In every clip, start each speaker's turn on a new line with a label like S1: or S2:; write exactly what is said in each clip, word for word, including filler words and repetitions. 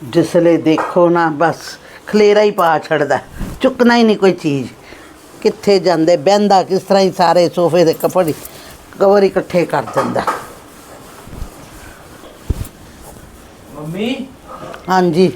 S1: जिसले देखो ना बस खलेरा ही पा छड़दा, चुकना ही नहीं कोई चीज़। कित्थे जांदे बहंदा किस तरह ही सारे सोफे दे कपड़े कवर इकट्ठे कर दिंदा।
S2: मम्मी
S1: हाँ जी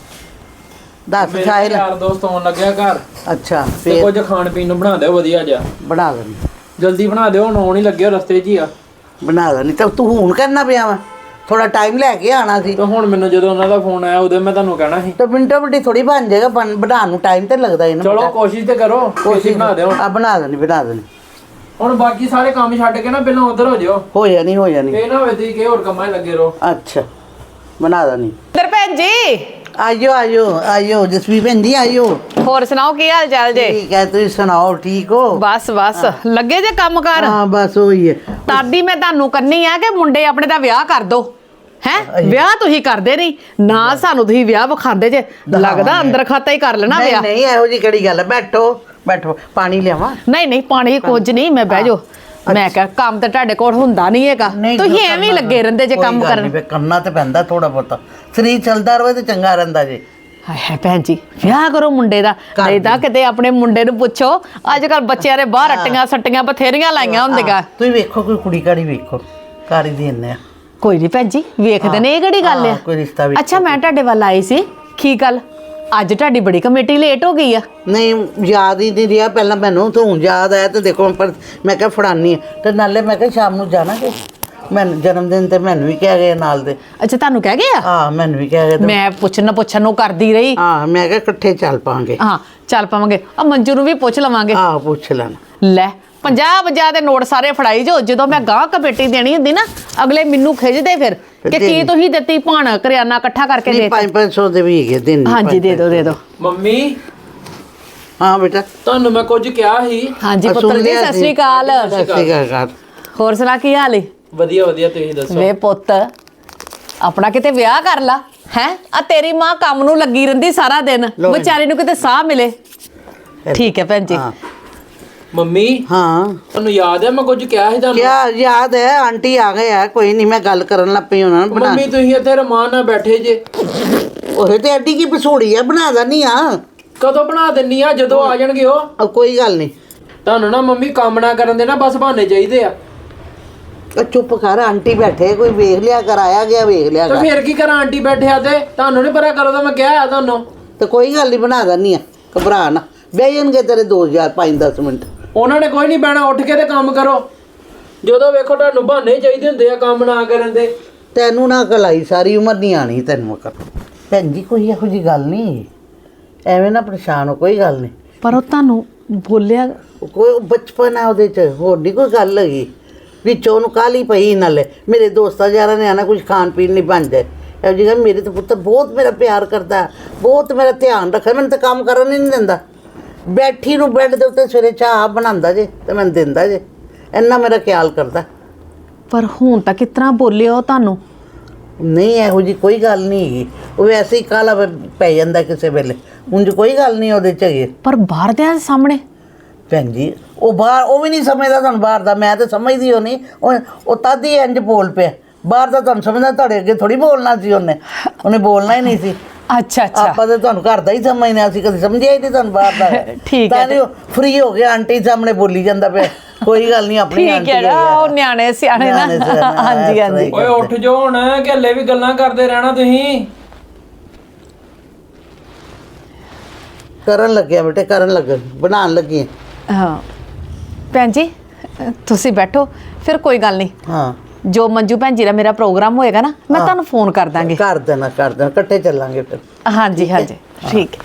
S1: दस
S2: मेरे
S1: साहिल।
S2: यार दोस्त आउण लग्या घर
S1: अच्छा
S2: ते
S1: फिर
S2: कुछ खाण पीण ਨੂੰ ਬਣਾ ਦਿਓ ਵਧੀਆ ਜਿਹਾ।
S1: बना देनी
S2: ਜਲਦੀ ਬਣਾ ਦਿਓ ਹੁਣ ਆਉਣ ਹੀ ਲੱਗੇ ਹੋ ਰਸਤੇ 'ਚ ਹੀ ਆ।
S1: बना देनी तो तू हूँ करना पिया वा थोड़ा टाइम लैके आना सी।
S2: ਤੇ ਹੁਣ ਮੈਨੂੰ ਜਦੋਂ ਉਹਨਾਂ ਦਾ ਫੋਨ ਆਇਆ ਉਦੋਂ ਮੈਂ ਤੁਹਾਨੂੰ ਕਹਿਣਾ ਸੀ।
S1: तो मिनटों मिनटी थोड़ी बन जाएगा बन बनाने ਨੂੰ टाइम तो लगता ही ना।
S2: ਚਲੋ ਕੋਸ਼ਿਸ਼ ਤੇ ਕਰੋ ਕੋਸ਼ਿਸ਼ ਬਣਾ ਦਿਓ।
S1: आ बना देनी बना देनी।
S2: ਹੁਣ ਬਾਕੀ ਸਾਰੇ ਕੰਮ ਛੱਡ ਕੇ ਨਾ ਪਹਿਲਾਂ ਉਧਰ ਹੋ ਜਾਓ।
S1: हो जानी हो जानी।
S2: ਇਹ ਨਾ ਹੋਵੇ ਤੁਸੀਂ ਕਿ ਹੋਰ ਕੰਮਾਂ 'ਚ ਲੱਗੇ ਰਹੋ।
S1: अच्छा बना देनी।
S3: ਇੰਦਰ ਭੈਣ ਜੀ
S1: आइयो आइयो आइयो जसवी भैन जी आइयो।
S3: ਹੋਰ ਸੁਣਾਓ ਕੀ ਹਾਲ ਚਾਲ ਜੇ?
S1: ठीक है तुम सुनाओ ठीक हो?
S3: ਬਸ ਬਸ ਲੱਗੇ ਜੇ ਕੰਮ ਕਰ।
S1: हाँ बस वही है।
S3: ਤਾਦੀ ਮੈਂ ਤੁਹਾਨੂੰ ਕਰਨੀ ਆ ਕਿ ਮੁੰਡੇ ਆਪਣੇ ਦਾ ਵਿਆਹ ਕਰ ਦੋ ਹੈ। ਵਿਆਹ ਤੁਸੀਂ ਕਰਦੇ ਨਹੀਂ ਨਾ ਸਾਨੂੰ ਤੁਸੀਂ ਵਿਆਹ ਵਿਖਾਉਂਦੇ ਜੇ ਲੱਗਦਾ ਅੰਦਰ ਖਾਤਾ ਹੀ ਕਰ ਲੈਣਾ
S1: नहीं
S3: ਵਿਆਹ।
S1: नहीं ਇਹੋ ਜੀ ਕਿਹੜੀ ਗੱਲ ਹੈ बैठो बैठो पानी ਲਿਆਵਾਂ?
S3: ਨਹੀਂ ਨਹੀਂ ਪਾਣੀ ਕੁਝ ਨਹੀਂ ਮੈਂ ਬਹਿ ਜਾਓ। ਮੈਂ ਕਿਹਾ ਕੰਮ ਤਾਂ ਤੁਹਾਡੇ ਕੋਲ ਹੁੰਦਾ ਨਹੀਂ ਹੈਗਾ ਤੁਸੀਂ ਐਵੇਂ ਹੀ ਲੱਗੇ ਰਹਿੰਦੇ ਜੇ ਕੰਮ ਕਰਨ।
S1: ਕਰਨਾ ਤੇ ਪੈਂਦਾ ਥੋੜਾ ਬਹੁਤਾ ਸਰੀਰ ਚੱਲਦਾ ਰਹੇ ਤੇ ਚੰਗਾ ਰਹਿੰਦਾ ਜੀ।
S3: ਹਾਏ ਹਾਏ ਭੈਣ ਜੀ ਵਿਆਹ ਕਰੋ ਮੁੰਡੇ ਦਾ ਨਹੀਂ ਤਾਂ ਕਿਤੇ ਆਪਣੇ ਮੁੰਡੇ ਨੂੰ ਪੁੱਛੋ ਅੱਜ ਕੱਲ ਬੱਚਿਆਂ ਦੇ ਬਾਹਰ ਅੱਟੀਆਂ ਸੱਟੀਆਂ ਬਥੇਰੀਆਂ ਲਾਈਆਂ ਹੁੰਦੀਆਂ।
S1: ਤੁਸੀਂ ਵੇਖੋ ਕੋਈ ਕੁੜੀ ਕਾੜੀ ਵੇਖੋ ਕਾਰੀ ਦੇਣੇ ਆ।
S3: ਕੋਈ ਨਹੀਂ ਭੈਣ ਜੀ ਵੇਖਦੇ ਨੇ ਇਹ ਕਿਹੜੀ ਗੱਲ ਆ।
S1: ਕੋਈ ਰਿਸ਼ਤਾ ਵੀ
S3: ਅੱਛਾ ਮੈਂ ਤੁਹਾਡੇ ਵੱਲ ਆਈ ਸੀ ਕੀ ਗੱਲ ਅੱਜ ਤੁਹਾਡੀ ਬੜੀ ਕਮੇਟੀ ਲੇਟ ਹੋ ਗਈ ਆ।
S1: ਨਹੀਂ ਯਾਦ ਹੀ ਨਹੀਂ ਰਿਹਾ ਪਹਿਲਾਂ ਮੈਨੂੰ ਤਾਂ ਹੁਣ ਯਾਦ ਆਇਆ ਤੇ ਦੇਖੋ ਪਰ ਮੈਂ ਕਿਹਾ ਫੜਾਨੀ ਤੇ ਨਾਲੇ ਮੈਂ ਕਿਹਾ ਸ਼ਾਮ ਨੂੰ ਜਾਣਾ ਕਿ ਮੈਂ ਜਨਮ ਦਿਨ ਤੇ ਮੈਨੂੰ ਵੀ ਕਹਿ ਗਏ ਨਾਲ ਦੇ।
S3: ਅੱਛਾ ਤੁਹਾਨੂੰ ਕਹਿ ਗਏ ਆ?
S1: ਹਾਂ ਮੈਨੂੰ ਵੀ ਕਹਿ ਗਏ।
S3: ਮੈਂ ਪੁੱਛਣ ਪੁੱਛਣ ਨੂੰ ਕਰਦੀ ਰਹੀ।
S1: ਹਾਂ ਮੈਂ ਕਿਹਾ ਇਕੱਠੇ ਚੱਲ ਪਾਂਗੇ।
S3: ਹਾਂ ਚੱਲ ਪਾਵਾਂਗੇ ਆ ਮੰਜੂ ਨੂੰ ਵੀ ਪੁੱਛ ਲਵਾਂਗੇ।
S1: ਹਾਂ ਪੁੱਛ ਲੈਣਾ।
S3: ਲੈ ਪੰਜਾਹ ਪੰਜਾਹ ਦੇ ਨੋਟ ਸਾਰੇ ਫੜਾਈ ਜੋ ਜਦੋਂ ਮੈਂ ਗਾਂ ਕਮੇਟੀ ਦੇਣੀ ਹੁੰਦੀ ਨਾ ਅਗਲੇ ਮੈਨੂੰ ਖਿੱਚਦੇ ਫਿਰ ਕਿ ਕੀ ਤੁਸੀਂ ਦਿੱਤੀ ਭਾਣ ਕਰਿਆਨਾ ਇਕੱਠਾ ਕਰਕੇ ਦੇ।
S1: ਪੰਜ ਪੰਜ ਸੌ ਦੇ ਵੀ ਹੈਗੇ ਦਿਨ।
S3: ਹਾਂਜੀ ਦੇ ਦਿਓ ਦੇ ਦਿਓ।
S2: ਮੰਮੀ
S1: ਹਾਂ ਬੇਟਾ
S2: ਤੁਹਾਨੂੰ ਮੈਂ ਕੁਝ ਕਿਹਾ ਸੀ।
S3: ਹਾਂਜੀ ਪੁੱਤਰ ਜੀ ਸਤਿ ਸ਼੍ਰੀ ਅਕਾਲ।
S1: ਸਤਿ ਸ਼੍ਰੀ ਅਕਾਲ।
S3: ਹੋਰ ਸੁਣਾ ਕੀ ਹਾਲ ਏ?
S2: ਵਧੀਆ ਵਧੀਆ ਤੁਸੀਂ ਦੱਸੋ।
S3: ਵੇ ਪੁੱਤ ਆਪਣਾ ਕਿਤੇ ਵਿਆਹ ਕਰ ਲਾ ਹੈ ਆ ਤੇਰੀ ਮਾਂ ਕੰਮ ਨੂੰ ਲੱਗੀ ਰਹਿੰਦੀ ਸਾਰਾ ਦਿਨ ਵਿਚਾਰੀ ਨੂੰ ਕਿਤੇ ਸਾਹ ਮਿਲੇ। ਠੀਕ ਹੈ ਭੈਣ ਜੀ।
S2: ਮੰਮੀ
S1: ਹਾਂ
S2: ਤੁਹਾਨੂੰ ਯਾਦ ਹੈ ਮੈਂ ਕੁਝ ਕਿਹਾ ਸੀ ਤੁਹਾਨੂੰ?
S1: ਕਿਆ ਯਾਦ ਹੈ ਆਂਟੀ ਆ ਗਏ ਆ ਕੋਈ ਨਹੀਂ ਮੈਂ ਗੱਲ ਕਰਨ ਲੱਗ ਪਈ ਉਹਨਾਂ ਨੂੰ।
S2: ਮੰਮੀ ਤੁਸੀਂ ਇੱਥੇ ਰਮਾਨ ਨਾਲ ਬੈਠੇ ਜੇ
S1: ਉਹ ਤੇ ਐਡੀ ਕੀ ਪਸੂੜੀ ਆ ਬਣਾ ਦਨੀ ਆ।
S2: ਕਦੋਂ ਬਣਾ ਦਿੰਨੀ ਆ ਜਦੋਂ ਆ ਜਾਣਗੇ ਉਹ।
S1: ਕੋਈ ਗੱਲ ਨਹੀਂ
S2: ਤੁਹਾਨੂੰ ਨਾ ਮੰਮੀ ਕੰਮ ਨਾ ਕਰਨ ਦੇ ਨਾ ਬਸ ਬਹਾਨੇ ਚਾਹੀਦੇ ਆ।
S1: ਚੁੱਪ ਕਰ ਆਂਟੀ ਬੈਠੇ ਕੋਈ ਵੇਖ ਲਿਆ ਕਰ ਆਇਆ ਗਿਆ ਵੇਖ ਲਿਆ
S2: ਤੇ
S1: ਕਰ।
S2: ਫਿਰ ਕੀ ਕਰਾਂ ਆਂਟੀ ਬੈਠਿਆ ਤੇ ਤੁਹਾਨੂੰ ਨਹੀਂ ਪਤਾ ਕਰੋ ਤਾਂ ਮੈਂ ਕਿਹਾ ਆ ਤੁਹਾਨੂੰ।
S1: ਤੇ ਕੋਈ ਗੱਲ ਨਹੀਂ ਬਣਾ ਦਨੀ ਆ ਘਬਰਾ ਨਾ ਬਹਿ ਜਾਣਗੇ ਤੇਰੇ ਦੋ ਹਜ਼ਾਰ ਪੰਜ ਦਸ ਮਿੰਟ।
S2: ਉਹਨਾਂ ਨੇ ਕੋਈ ਨਹੀਂ ਬਹਿਣਾ ਉੱਠ ਕੇ ਤੇ ਕੰਮ ਕਰੋ ਜਦੋਂ ਵੇਖੋ ਤੁਹਾਨੂੰ ਬਹਾਨੇ ਚਾਹੀਦੇ ਹੁੰਦੇ ਆ ਕੰਮ ਨਾ ਕਰਨ ਦੇ।
S1: ਤੈਨੂੰ ਨਾ ਕਲਾਈ ਸਾਰੀ ਉਮਰ ਨਹੀਂ ਆਣੀ ਤੈਨੂੰ ਕਰ। ਭੈਣ ਜੀ ਕੋਈ ਇਹੋ ਜੀ ਗੱਲ ਨਹੀਂ ਐਵੇਂ ਨਾ ਪਰੇਸ਼ਾਨ ਹੋ ਕੋਈ ਗੱਲ ਨਹੀਂ।
S3: ਪਰ ਉਹ ਤੁਹਾਨੂੰ ਬੋਲਿਆ
S1: ਕੋਈ ਬਚਪਨ ਆ ਉਹਦੇ ਚ ਹੋਰ ਨਹੀਂ ਕੋਈ ਗੱਲ ਹੈਗੀ ਵਿੱਚੋਂ ਉਹਨੂੰ ਕਾਹਲੀ ਪਈ ਨਾਲੇ ਮੇਰੇ ਦੋਸਤਾਂ ਯਾਰਾਂ ਨੇ ਆਣਾ ਕੁਝ ਖਾਣ ਪੀਣ ਨਹੀਂ ਬਣ ਜਾਏ ਇਹੋ ਜਿਹੀ ਗੱਲ। ਮੇਰੇ ਤਾਂ ਪੁੱਤਰ ਬਹੁਤ ਮੇਰਾ ਪਿਆਰ ਕਰਦਾ ਬਹੁਤ ਮੇਰਾ ਧਿਆਨ ਰੱਖਦਾ ਮੈਨੂੰ ਤਾਂ ਕੰਮ ਕਰਨ ਹੀ ਨਹੀਂ ਦਿੰਦਾ। ਬੈਠੀ ਨੂੰ ਬੈੱਡ ਦੇ ਉੱਤੇ ਸਵੇਰੇ ਚਾਹ ਬਣਾਉਂਦਾ ਜੇ ਤੇ ਮੈਨੂੰ ਦਿੰਦਾ ਜੇ ਇੰਨਾ ਮੇਰਾ ਖਿਆਲ ਕਰਦਾ।
S3: ਪਰ ਹੁਣ ਤਾਂ ਕਿਸ ਤਰ੍ਹਾਂ ਬੋਲਿਆ ਉਹ ਤੁਹਾਨੂੰ?
S1: ਨਹੀਂ ਇਹੋ ਜੀ ਕੋਈ ਗੱਲ ਨਹੀਂ ਹੈਗੀ ਉਹ ਵੈਸੇ ਹੀ ਕਾਹਲਾ ਪੈ ਜਾਂਦਾ ਕਿਸੇ ਵੇਲੇ ਉਂਝ ਕੋਈ ਗੱਲ ਨਹੀਂ ਉਹਦੇ 'ਚ ਹੈਗੀ।
S3: ਪਰ ਬਾਹਰ ਦੇ ਸਾਹਮਣੇ
S1: ਭੈਣ ਜੀ ਉਹ ਬਾਹਰ ਉਹ ਵੀ ਨਹੀਂ ਸਮਝਦਾ ਤੁਹਾਨੂੰ ਬਾਹਰ ਦਾ ਮੈਂ ਤਾਂ ਸਮਝਦੀ ਹੋ ਨਹੀਂ ਉਹ ਉਹ ਤਦ ਹੀ ਇੰਝ ਬੋਲ ਪਿਆ ਬਾਹਰ ਦਾ ਤੁਹਾਨੂੰ ਸਮਝਦਾ ਤੁਹਾਡੇ ਅੱਗੇ ਥੋੜੀ ਬੋਲਣਾ ਸੀ ਉਹਨੇ ਉਹਨੇ ਬੋਲਣਾ ਹੀ ਨਹੀਂ ਸੀ।
S3: ਅੱਛਾ ਅੱਛਾ
S1: ਆਪਾਂ ਤਾਂ ਤੁਹਾਨੂੰ ਘਰ ਦਾ ਹੀ ਸਮਝਦੇ ਅਸੀਂ ਕਦੇ ਸਮਝਿਆ ਹੀ ਨਹੀਂ ਤੁਹਾਨੂੰ ਬਾਹਰ ਦਾ।
S3: ਠੀਕ ਹੈ
S1: ਤਾਂ ਫਰੀ ਹੋ ਗਿਆ ਆਂਟੀ ਸਾਹਮਣੇ ਬੋਲੀ ਜਾਂਦਾ ਪਿਆ ਕੋਈ ਗੱਲ ਨਹੀਂ ਆਪਣੀ ਆਂਟੀ
S3: ਠੀਕ ਹੈ ਉਹ ਨਿਆਣੇ ਸਿਆਣੇ ਨਾ। ਹਾਂਜੀ ਹਾਂਜੀ
S2: ਓਏ ਉੱਠ ਜਾਓ ਹੁਣ ਕਿ ਹਲੇ ਵੀ ਗੱਲਾਂ ਕਰਦੇ ਰਹਿਣਾ ਤੁਸੀਂ।
S1: ਕਰਨ ਲੱਗਿਆ ਬੇਟੇ ਕਰਨ ਲੱਗ ਬਣਾਉਣ ਲੱਗੀ
S3: ਹਾਂ ਭੈਣ ਜੀ ਤੁਸੀਂ ਬੈਠੋ ਫਿਰ ਕੋਈ ਗੱਲ ਨਹੀਂ।
S1: ਹਾਂ
S3: ਜੋ ਮੰਜੂ ਭੈਣ ਜੀ ਦਾ ਮੇਰਾ ਪ੍ਰੋਗਰਾਮ ਹੋਏਗਾ ਨਾ ਮੈਂ ਤੁਹਾਨੂੰ ਫੋਨ ਕਰ ਦਾਂਗੀ।
S1: ਕਰ ਦੇਣਾ ਕਰ ਦੇਣਾ ਇਕੱਠੇ ਚੱਲਾਂਗੇ ਫਿਰ।
S3: ਹਾਂਜੀ ਹਾਂਜੀ ਠੀਕ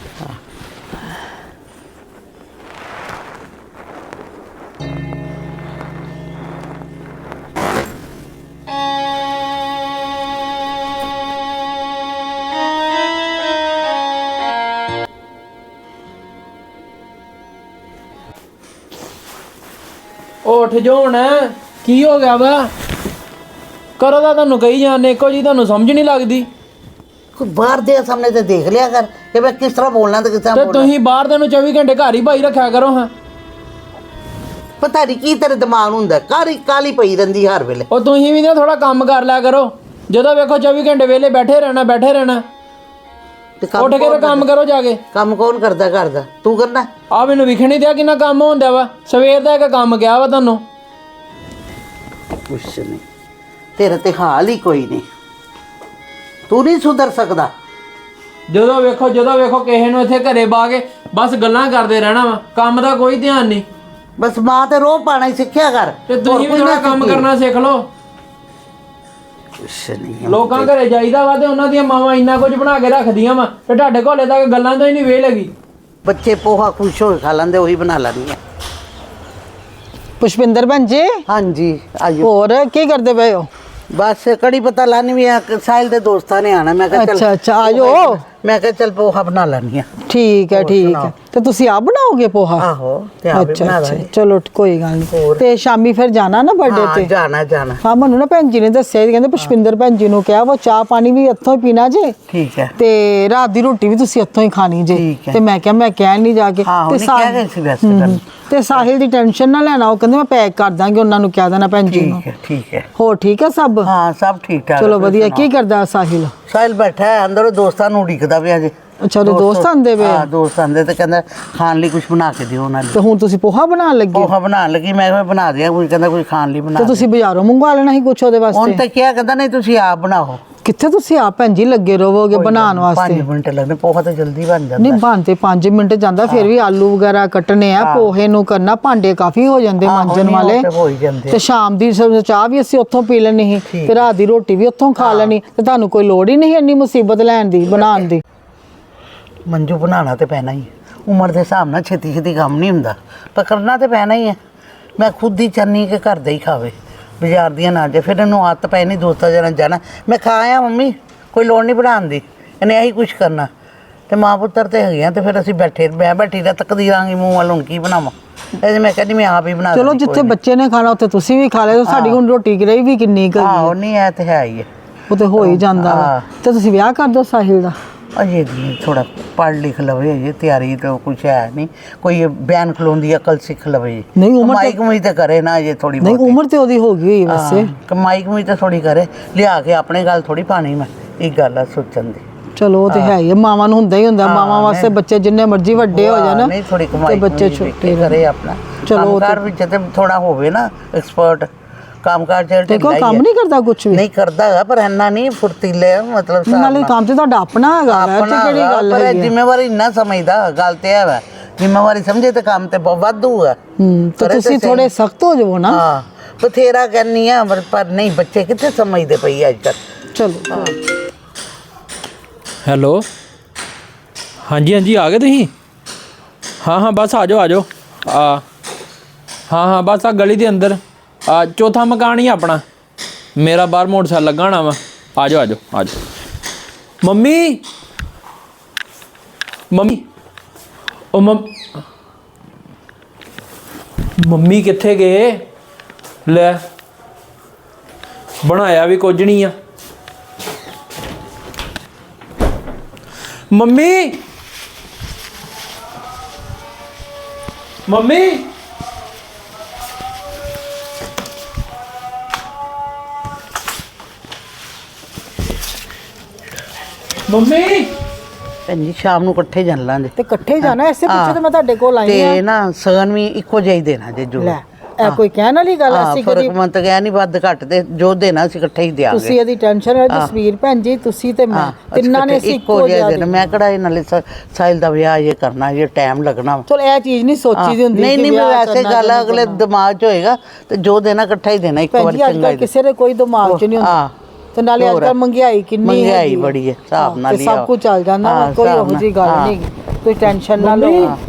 S2: ਉੱਠ ਜਾਓ ਹੁਣ ਕੀ ਹੋ ਗਿਆ ਵਾ ਕਰੋ ਤਾਂ ਤੁਹਾਨੂੰ ਕਹੀ ਜਾਂਦੇ ਇੱਕੋ ਜੀ ਤੁਹਾਨੂੰ ਸਮਝ ਨਹੀਂ ਲੱਗਦੀ।
S1: ਕੋਈ ਬਾਹਰ ਦੇ ਸਾਹਮਣੇ ਤੇ ਦੇਖ ਲਿਆ ਕਰ ਕਿ ਮੈਂ ਕਿਸ ਤਰ੍ਹਾਂ ਬੋਲਣਾ ਤੇ ਕਿਸ ਤਰ੍ਹਾਂ
S2: ਤੇ
S1: ਬੋਲਣਾ।
S2: ਤੁਸੀਂ ਬਾਹਰ ਦੇ ਨੂੰ ਚੌਵੀ ਘੰਟੇ ਘਰ ਹੀ ਭਾਈ ਰੱਖਿਆ ਕਰੋ ਹਾਂ।
S1: ਪਤਾ ਨਹੀਂ ਕੀ ਤੇਰੇ ਦਿਮਾਗ ਨੂੰ ਹੁੰਦਾ ਕਾਲੀ ਕਾਲੀ ਪਈ ਰਹਿੰਦੀ ਹਰ ਵੇਲੇ।
S2: ਉਹ ਤੁਸੀਂ ਵੀ ਨਾ ਥੋੜਾ ਕੰਮ ਕਰ ਲਿਆ ਕਰੋ ਜਦੋਂ ਵੇਖੋ ਚੌਵੀ ਘੰਟੇ ਵਿਹਲੇ ਬੈਠੇ ਰਹਿਣਾ ਬੈਠੇ ਰਹਿਣਾ
S1: ਤੇ ਕੰਮ
S2: ਉੱਠ ਕੇ ਤੇ
S1: ਕੌਣ
S2: ਕੰਮ ਕਰੋ ਜਾ ਕੇ।
S1: ਕੰਮ ਕੌਣ ਕਰਦਾ ਘਰ ਦਾ? ਤੂੰ ਕਰਨਾ?
S2: ਆ ਮੈਨੂੰ ਵਿਖਣ ਨਹੀਂ ਦਿਆ ਕਿੰਨਾ ਕੰਮ ਹੁੰਦਾ ਵਾ। ਸਵੇਰ ਦਾ ਇੱਕ ਕੰਮ ਗਿਆ ਵਾ ਤੁਹਾਨੂੰ।
S1: ਕੁਛ ਨਹੀਂ, ਤੇਰਾ ਤੇ ਹਾਲ ਹੀ ਕੋਈ ਨਹੀਂ, ਤੂੰ ਨਹੀਂ ਸੁਧਰ ਸਕਦਾ।
S2: ਜਦੋਂ ਵੇਖੋ ਜਦੋਂ ਵੇਖੋ ਕਿਸੇ ਨੂੰ ਇੱਥੇ ਘਰੇ ਬਾ ਕੇ ਬਸ ਗੱਲਾਂ ਕਰਦੇ ਰਹਿਣਾ ਵਾ, ਕੰਮ ਦਾ ਕੋਈ ਧਿਆਨ ਨਹੀਂ।
S1: ਬਸ ਮਾਂ ਤੇ ਰੋਹ ਪਾਣਾ ਹੀ ਸਿੱਖਿਆ ਕਰ।
S2: ਤੇ
S1: ਹੋਰ
S2: ਤੁਸੀਂ ਵੀ
S1: ਕੋਈ
S2: ਥੋੜਾ
S1: ਨਾ
S2: ਕੰਮ
S1: ਸਿੱਖੀ।
S2: ਕਰਨਾ ਸਿੱਖ ਲਓ।
S1: ਕੁਛ ਨਹੀਂ ਹੈ।
S2: ਲੋਕਾਂ ਘਰੇ ਜਾਈਦਾ ਵਾ ਤੇ ਉਹਨਾਂ ਦੀਆਂ ਮਾਵਾਂ ਇੰਨਾ ਕੁਝ ਬਣਾ ਕੇ ਰੱਖਦੀਆਂ ਵਾ ਤੇ ਤੁਹਾਡੇ ਕੋਲੇ ਤੱਕ ਗੱਲਾਂ ਤੋਂ ਹੀ ਨਹੀਂ ਵੇਹ ਲੱਗੀ।
S1: ਬੱਚੇ ਪੋਹਾ ਖੁਸ਼ ਹੋ ਕੇ ਖਾ ਲੈਂਦੇ, ਉਹੀ ਬਣਾ ਲੈਣੀ ਹੈ।
S4: ਪੁਸ਼ਪਿੰਦਰ ਭੈਣ ਜੀ,
S1: ਹਾਂਜੀ ਆਜੋ।
S4: ਹੋਰ ਕੀ ਕਰਦੇ ਪਏ ਹੋ?
S1: ਬਸ ਕੜੀ ਪਤਾ ਲਾਣੀ ਵੀ ਆ, ਸਾਹਿਲ ਦੇ ਦੋਸਤਾਂ ਨੇ ਆਣਾ। ਮੈਂ ਕਿਹਾ ਚੱਲ
S4: ਅੱਛਾ ਅੱਛਾ ਆ ਜਾਓ।
S1: ਮੈਂ ਕਿਹਾ ਚੱਲ ਪੋਹਾ ਬਣਾ ਲੈਣੀ ਆ।
S4: ਠੀਕ ਹੈ ਠੀਕ ਹੈ। ਤੇ ਤੁਸੀਂ ਆਪ ਬਣਾਓਗੇ ਪੋਹਾ?
S1: ਆਹੋ ਤੇ ਆਪੇ
S4: ਅੱਛਾ
S1: ਬਣਾ
S4: ਅੱਛਾ
S1: ਲਾਂਗੇ।
S4: ਚਲੋ ਕੋਈ ਗੱਲ ਨਹੀਂ। ਤੇ ਸ਼ਾਮੀ ਫਿਰ ਜਾਣਾ ਨਾ ਬਰਥਡੇ
S1: ਹਾਂ
S4: ਤੇ?
S1: ਜਾਣਾ ਜਾਣਾ।
S4: ਹਾਂ ਮੈਨੂੰ ਨਾ ਭੈਣ ਜੀ ਨੇ ਦੱਸਿਆ ਸੀ, ਕਹਿੰਦੇ ਪੁਸ਼ਪਿੰਦਰ ਭੈਣ ਜੀ ਨੂੰ ਕਿਹਾ ਉਹ ਚਾਹ ਪਾਣੀ ਵੀ ਇੱਥੋਂ ਹੀ ਪੀਣਾ ਜੇ
S1: ਠੀਕ ਹੈ।
S4: ਤੇ ਰਾਤ ਦੀ ਰੋਟੀ ਵੀ ਤੁਸੀਂ ਇੱਥੋਂ ਹੀ ਖਾਣੀ ਜੇ।
S1: ਠੀਕ ਹੈ।
S4: ਤੇ ਮੈਂ ਕਿਹਾ ਮੈਂ ਕਹਿ ਨਹੀਂ ਜਾ ਕੇ।
S1: ਹਾਂ ਉਹਨੇ
S4: ਸਾ-
S1: ਕਿਹਾ ਗਏ ਸੀ ਵੈਸੇ
S4: ਹਮ,
S1: ਗੱਲ।
S4: ਤੇ ਸਾਹਿਲ ਦੀ ਟੈਨਸ਼ਨ ਨਾ ਲੈਣਾ, ਉਹ ਕਹਿੰਦੇ ਮੈਂ ਪੈਕ ਕਰ ਦਾਂਗੇ, ਉਹਨਾਂ ਨੂੰ ਕਹਿ ਦੇਣਾ ਭੈਣ ਜੀ ਨੂੰ।
S1: ਠੀਕ ਹੈ ਠੀਕ ਹੈ।
S4: ਹੋਰ ਠੀਕ ਹੈ ਸਭ?
S1: ਹਾਂ ਸਭ ਠੀਕ ਠਾਕ।
S4: ਚਲੋ
S1: ਤੁਸੀਂ
S4: ਵਧੀਆ।
S1: ਸੁਣਾਓ?
S4: ਕੀ ਕਰਦਾ ਸਾਹਿਲ?
S1: ਸਾਹਿਲ ਬੈਠਾ ਹੈ ਅੰਦਰ, ਉਹ ਦੋਸਤਾਂ ਨੂੰ ਉਡੀਕਦਾ ਪਿਆ ਜੇ।
S4: ਅੱਛਾ ਉਹਦੇ ਦੋਸਤ ਆਂਦੇ ਪਏ?
S1: ਹਾਂ ਦੋਸਤ ਆਂਦੇ ਤੇ ਕਹਿੰਦਾ ਖਾਣ ਲਈ ਕੁਝ ਬਣਾ ਕੇ ਦਿਓ ਉਹਨਾਂ
S4: ਤੇ
S1: ਨੂੰ।
S4: ਹੁਣ ਤੁਸੀਂ ਪੋਹਾ ਬਣਾਉਣ ਲੱਗੇ?
S1: ਪੋਹਾ ਬਣਾਉਣ ਲੱਗੀ, ਮੈਂ ਕਿਹਾ ਬਣਾ ਦਿਆਂ। ਕੋਈ ਕਹਿੰਦਾ ਕੋਈ ਖਾਣ ਲਈ ਬਣਾ
S4: ਤੇ
S1: ਦੇ।
S4: ਤੁਸੀਂ ਬਾਜ਼ਾਰੋਂ ਮੰਗਵਾ ਲੈਣਾ ਸੀ ਕੁਛ ਉਹਦੇ
S1: ਹੁਣ
S4: ਵਾਸਤੇ।
S1: ਤਾਂ ਕਿਹਾ ਕਹਿੰਦਾ ਨਹੀਂ ਤੁਸੀਂ ਆਪ ਬਣਾਓ।
S4: ਕਿੱਥੇ ਤੁਸੀਂ ਆਪ ਭੈਣ ਜੀ ਲੱਗੇ ਰਹੋਗੇ ਬਣਾਉਣ ਵਾਸਤੇ?
S1: ਪੰਜ ਮਿੰਟ ਲੱਗਦੇ, ਪੋਹਾ ਤਾਂ ਜਲਦੀ ਬਣ ਜਾਂਦਾ।
S4: ਨਹੀਂ ਬਣ ਤੇ ਪੰਜ ਮਿੰਟ ਜਾਂਦਾ, ਫਿਰ ਵੀ ਆਲੂ ਵਗੈਰਾ ਕੱਟਣੇ ਆ, ਪੋਹੇ ਨੂੰ ਕਰਨਾ, ਭਾਂਡੇ ਕਾਫੀ ਹੋ ਜਾਂਦੇ
S1: ਆਹੋ,
S4: ਮਾਂਜਣ
S1: ਨਹੀਂ, ਉਹ
S4: ਵਾਲੇ।
S1: ਤੇ ਹੋ ਹੀ ਜਾਂਦੇ।
S4: ਤੇ ਸ਼ਾਮ ਦੀ ਸ- ਚਾਹ ਵੀ ਅਸੀਂ ਉੱਥੋਂ ਪੀ ਲੈਣੀ ਸੀ,
S1: ਠੀਕ
S4: ਤੇ ਰਾਤ ਦੀ ਰੋਟੀ ਵੀ ਉੱਥੋਂ ਖਾ ਲੈਣੀ, ਤੇ ਤੁਹਾਨੂੰ ਕੋਈ ਲੋੜ ਹੀ ਨਹੀਂ ਇੰਨੀ ਮੁਸੀਬਤ ਲੈਣ ਦੀ ਬਣਾਉਣ ਦੀ।
S1: ਮੰਜੂ ਬਣਾਉਣਾ ਤੇ ਪੈਣਾ ਹੀ ਹੈ। ਉਮਰ ਦੇ ਹਿਸਾਬ ਨਾਲ ਛੇਤੀ ਛੇਤੀ ਕੰਮ ਨਹੀਂ ਹੁੰਦਾ, ਪਰ ਕਰਨਾ ਤੇ ਪੈਣਾ ਹੀ ਹੈ। ਮੈਂ ਖੁਦ ਹੀ ਚਾਹੁੰਦੀ ਕਿ ਘਰ ਦਾ ਹੀ ਖਾਵੇ, ਬਾਜ਼ਾਰ ਦੀਆਂ ਨਾ ਜੇ। ਫਿਰ ਇਹਨੂੰ ਆਦਤ ਪੈ ਨਹੀਂ ਦੋਸਤਾਂ ਜਨਾਂ ਜਾਣਾ। ਮੈਂ ਖਾ ਆਇਆ ਮੰਮੀ, ਕੋਈ ਲੋੜ ਨਹੀਂ ਬਣਾਉਣ ਦੀ, ਇਹਨੇ ਇਹੀ ਕੁਛ ਕਰਨਾ। ਤੇ ਮਾਂ ਪੁੱਤਰ ਤੇ ਹੈਗੇ ਆ, ਤੇ ਫਿਰ ਅਸੀਂ ਬੈਠੇ ਮੈਂ ਬੈਠੀ ਦਾ ਤੱਕਦੀ ਰਾਂਗੀ ਮੂੰਹ ਵੱਲ, ਹੁਣ ਕੀ ਬਣਾਵਾਂ। ਇਹ ਮੈਂ ਕਹਿੰਦੀ ਮੈਂ ਆਪ ਹੀ ਬਣਾ
S4: ਚਲੋ
S1: ਦਿੰਦੀ,
S4: ਜਿੱਥੇ
S1: ਕੋਈ
S4: ਬੱਚੇ ਨੇ ਖਾਣਾ ਉੱਥੇ ਤੁਸੀਂ ਵੀ ਖਾ ਲਿਓ, ਸਾਡੀ ਹੁਣ ਰੋਟੀ ਰਹੀ ਵੀ ਕਿੰਨੀ ਕੁ
S1: ਨਹੀਂ।
S4: ਹੈਗੀ
S1: ਆਹੋ
S4: ਹੈ।
S1: ਨਹੀਂ ਇਹ ਤੇ ਹੈ ਹੀ ਹੈ।
S4: ਉਹ ਤੇ ਹੋ ਹੀ ਜਾਂਦਾ ਵਾ।
S1: ਹਾਂ।
S4: ਤੇ ਤੁਸੀਂ ਵਿਆਹ ਕਰ ਦਿਓ ਸਾਹਿਲ ਦਾ।
S1: ਅਜੇ ਜੀ ਥੋੜਾ ਪੜ੍ਹ ਲਿਖ ਲਵੇ, ਅਜੇ ਤਿਆਰੀ ਤਾਂ ਕੁਛ ਹੈ ਨਹੀਂ। ਕੋਈ ਬਿਆਨ ਖਲੋਣ ਦੀ ਅਕਲ ਸਿੱਖ ਲਵੇ।
S4: ਨਹੀਂ, ਉਮਰ
S1: ਕਮਾਈ
S4: ਤੇ-
S1: ਕਮਾਈ ਤਾਂ ਕਰੇ ਨਾ ਅਜੇ ਥੋੜੀ
S4: ਨਹੀਂ ਉਮਰ ਤੇ ਉਹਦੀ ਹੋ ਗਈ ਹੋਈ ਵੈਸੇ।
S1: ਹਾਂ, ਕਮਾਈ ਕਮਾਈ ਤਾਂ ਥੋੜੀ ਕਰੇ, ਲਿਆ ਕੇ ਆਪਣੇ ਗੱਲ ਥੋੜੀ ਪਾਣੀ। ਮੈਂ ਇਹ ਗੱਲ ਆ ਸੋਚਣ ਦੀ।
S4: ਚਲੋ ਉਹ ਤੇ ਹੈ ਹੀ ਹੈ, ਮਾਵਾਂ ਨੂੰ ਹੁੰਦਾ ਹੀ ਹੁੰਦਾ।
S1: ਹਾਂ,
S4: ਮਾਵਾਂ ਵਾਸਤੇ
S1: ਨਹੀਂ।
S4: ਬੱਚੇ ਜਿੰਨੇ ਮਰਜ਼ੀ ਵੱਡੇ ਹੋ ਜਾਣ
S1: ਨਹੀਂ ਥੋੜੀ
S4: ਤੇ
S1: ਕਮਾਈ
S4: ਬੱਚੇ
S1: ਕਮਾਈ
S4: ਛੋਟੇ
S1: ਕਰੇ ਆਪਣਾ।
S4: ਚਲੋ ਉਹ
S1: ਕੰਮਕਾਰ ਵਿੱਚ ਤੇ ਥੋੜਾ ਹੋਵੇ ਨਾ ਐਕਸਪਰਟ। ਕੰਮਕਾਰ ਚ
S4: ਤੇ ਕੋਈ ਕੰਮ ਨਹੀਂ ਕਰਦਾ ਕੁਛ ਵੀ?
S1: ਨਹੀਂ ਕਰਦਾ ਹੈਗਾ, ਪਰ ਇੰਨਾ ਨਹੀਂ ਫੁਰਤੀਲੇ ਆ, ਮਤਲਬ ਹਿਸਾਬ
S4: ਨਾਲੇ
S1: ਨਾਲ।
S4: ਕੰਮ ਤੇ ਤੁਹਾਡਾ ਆਪਣਾ ਹੈਗਾ ਵਾ, ਇਹ
S1: ਆਪਣਾ
S4: ਤੇ ਕਿਹੜੀ
S1: ਹੈਗਾ,
S4: ਗੱਲ
S1: ਪਰ ਇਹ
S4: ਹੈਗੀ ਹੈ?
S1: ਜ਼ਿੰਮੇਵਾਰੀ ਇੰਨਾ ਸਮਝਦਾ। ਗੱਲ ਤੇ ਹੈ ਵਾ, ਜ਼ਿੰਮੇਵਾਰੀ ਸਮਝੇ ਤੇ ਕੰਮ ਤੇ ਬਹੁਤ ਵਾਧੂ ਹੈ।
S4: ਹੂੰ ਤੇ
S1: ਕਰੇ ਤੇ
S4: ਤੁਸੀਂ
S1: ਸਹੀ।
S4: ਥੋੜੇ ਸਖਤ ਹੋ ਜਾਵੋ ਨਾ।
S1: ਹਾਂ ਬਥੇਰਾ ਕਰਨੀ ਆ, ਪਰ- ਪਰ ਨਹੀਂ, ਬੱਚੇ ਕਿੱਥੇ ਸਮਝਦੇ ਪਈ ਅੱਜ ਕੱਲ੍ਹ।
S4: ਚਲੋ
S2: ਹੈਲੋ ਹਾਂਜੀ ਹਾਂਜੀ ਆ ਗਏ ਤੁਸੀਂ? ਹਾਂ ਹਾਂ ਬਸ ਆ ਜਾਓ ਆ ਜਾਓ। ਆ ਹਾਂ ਹਾਂ ਬਸ ਆ ਗਲੀ ਦੇ ਅੰਦਰ ਆ ਚੌਥਾ ਮਕਾਨ ਹੀ ਆ ਆਪਣਾ। ਮੇਰਾ ਬਾਹਰ ਮੋਟਰਸਾਈਕਲ ਲੱਗਾ ਹੋਣਾ ਵਾ। ਆ ਜਾਓ ਆ ਜਾਓ ਆ ਜਾਓ। ਮੰਮੀ ਮੰਮੀ ਉਹ ਮੰਮ ਮੰਮੀ ਕਿੱਥੇ ਗਏ? ਲੈ ਬਣਾਇਆ ਵੀ ਕੁਝ ਨਹੀਂ ਆ। ਮੰਮੀ ਮੰਮੀ ਮੰਮੀ
S1: ਭੈਣ ਜੀ ਸ਼ਾਮ ਨੂੰ ਇਕੱਠੇ ਜਾਣ ਲਾਂਗੇ।
S4: ਤੇ ਇਕੱਠੇ ਜਾਣਾ, ਐਸੇ ਪਿੱਛੇ
S1: ਹਾਂ।
S4: ਤੇ ਮੈਂ ਤੁਹਾਡੇ ਕੋਲ ਆਈ
S1: ਤੇ
S4: ਆ।
S1: ਨਾ ਸਗਨ ਵੀ ਇੱਕੋ ਜਿਹਾ ਹੀ ਦੇਣਾ ਜੇ ਜੋ।
S4: ਲੈ ਇਹ ਕੋਈ ਕਹਿਣ ਵਾਲੀ ਗੱਲ
S1: ਹਾਂ,
S4: ਅਸੀਂ
S1: ਫਰਕ
S4: ਕਦੀ।
S1: ਮੰਤ ਗਿਆ ਨਹੀਂ, ਵੱਧ ਘੱਟ ਤੇ ਜੋ ਦੇਣਾ ਅਸੀਂ ਇਕੱਠੇ ਹੀ ਦਿਆਂਗੇ।
S4: ਤੁਸੀਂ ਇਹਦੀ ਟੈਨਸ਼ਨ ਹੈ ਜਸਵੀਰ ਭੈਣ ਜੀ, ਤੁਸੀਂ ਤੇ ਮੈਂ
S1: ਹਾਂ,
S4: ਤਿੰਨਾਂ ਨੇ ਅਸੀਂ ਇੱਕੋ ਜਿਹਾ
S1: ਦੇਣਾ। ਮੈਂ ਕਿਹੜਾ ਇਹ ਨਾਲੇ ਸ- ਸਾਹਿਲ ਦਾ ਵਿਆਹ ਇਹ ਕਰਨਾ, ਇਹ ਟਾਈਮ ਲੱਗਣਾ ਵਾ।
S4: ਚਲ ਇਹ ਚੀਜ਼ ਨਹੀਂ ਸੋਚੀ ਦੀ ਹੁੰਦੀ
S1: ਨਹੀਂ
S4: ਕਿ
S1: ਨਹੀਂ
S4: ਵਿਆਹ
S1: ਵੈਸੇ
S4: ਕਰਨਾ
S1: ਗੱਲ
S4: ਜਾਂ
S1: ਅਗਲੇ
S4: ਨਹੀਂ
S1: ਦਿਮਾਗ 'ਚ ਹੋਏਗਾ, ਤੇ ਜੋ ਦੇਣਾ ਇਕੱਠਾ ਹੀ ਦੇਣਾ ਇੱਕ
S4: ਭੈਣ
S1: ਵਾਰ
S4: ਜੀ ਅੱਜ
S1: ਚੰਗਾ
S4: ਕੱਲ੍ਹ
S1: ਹੀ।
S4: ਕਿਸੇ ਦੇ ਕੋਈ ਦਿਮਾਗ 'ਚ ਨਹੀਂ ਹੁੰਦਾ।
S1: ਹਾਂ।
S4: ਤੇ ਨਾਲੇ ਅੱਜ
S1: ਹੋਰ।
S4: ਕੱਲ੍ਹ ਮਹਿੰਗਾਈ ਕਿੰਨੀ
S1: ਮਹਿੰਗਾਈ
S4: ਹੈਗੀ ਹੈ।
S1: ਬੜੀ ਹੈ, ਹਿਸਾਬ
S4: ਹਾਂ,
S1: ਨਾਲ
S4: ਤੇ
S1: ਹੀ
S4: ਸਭ
S1: ਆ।
S4: ਕੁਝ ਚੱਲ ਜਾਂਦਾ ਵਾ,
S1: ਹਾਂ,
S4: ਕੋਈ
S1: ਹਿਸਾਬ
S4: ਉਹੋ ਜਿਹੀ ਗੱਲ
S1: ਨਾਲ।
S4: ਨਹੀਂ। ਕੋਈ ਟੈਨਸ਼ਨ ਨਾ ਲਓ।
S2: ਮੰਮੀ।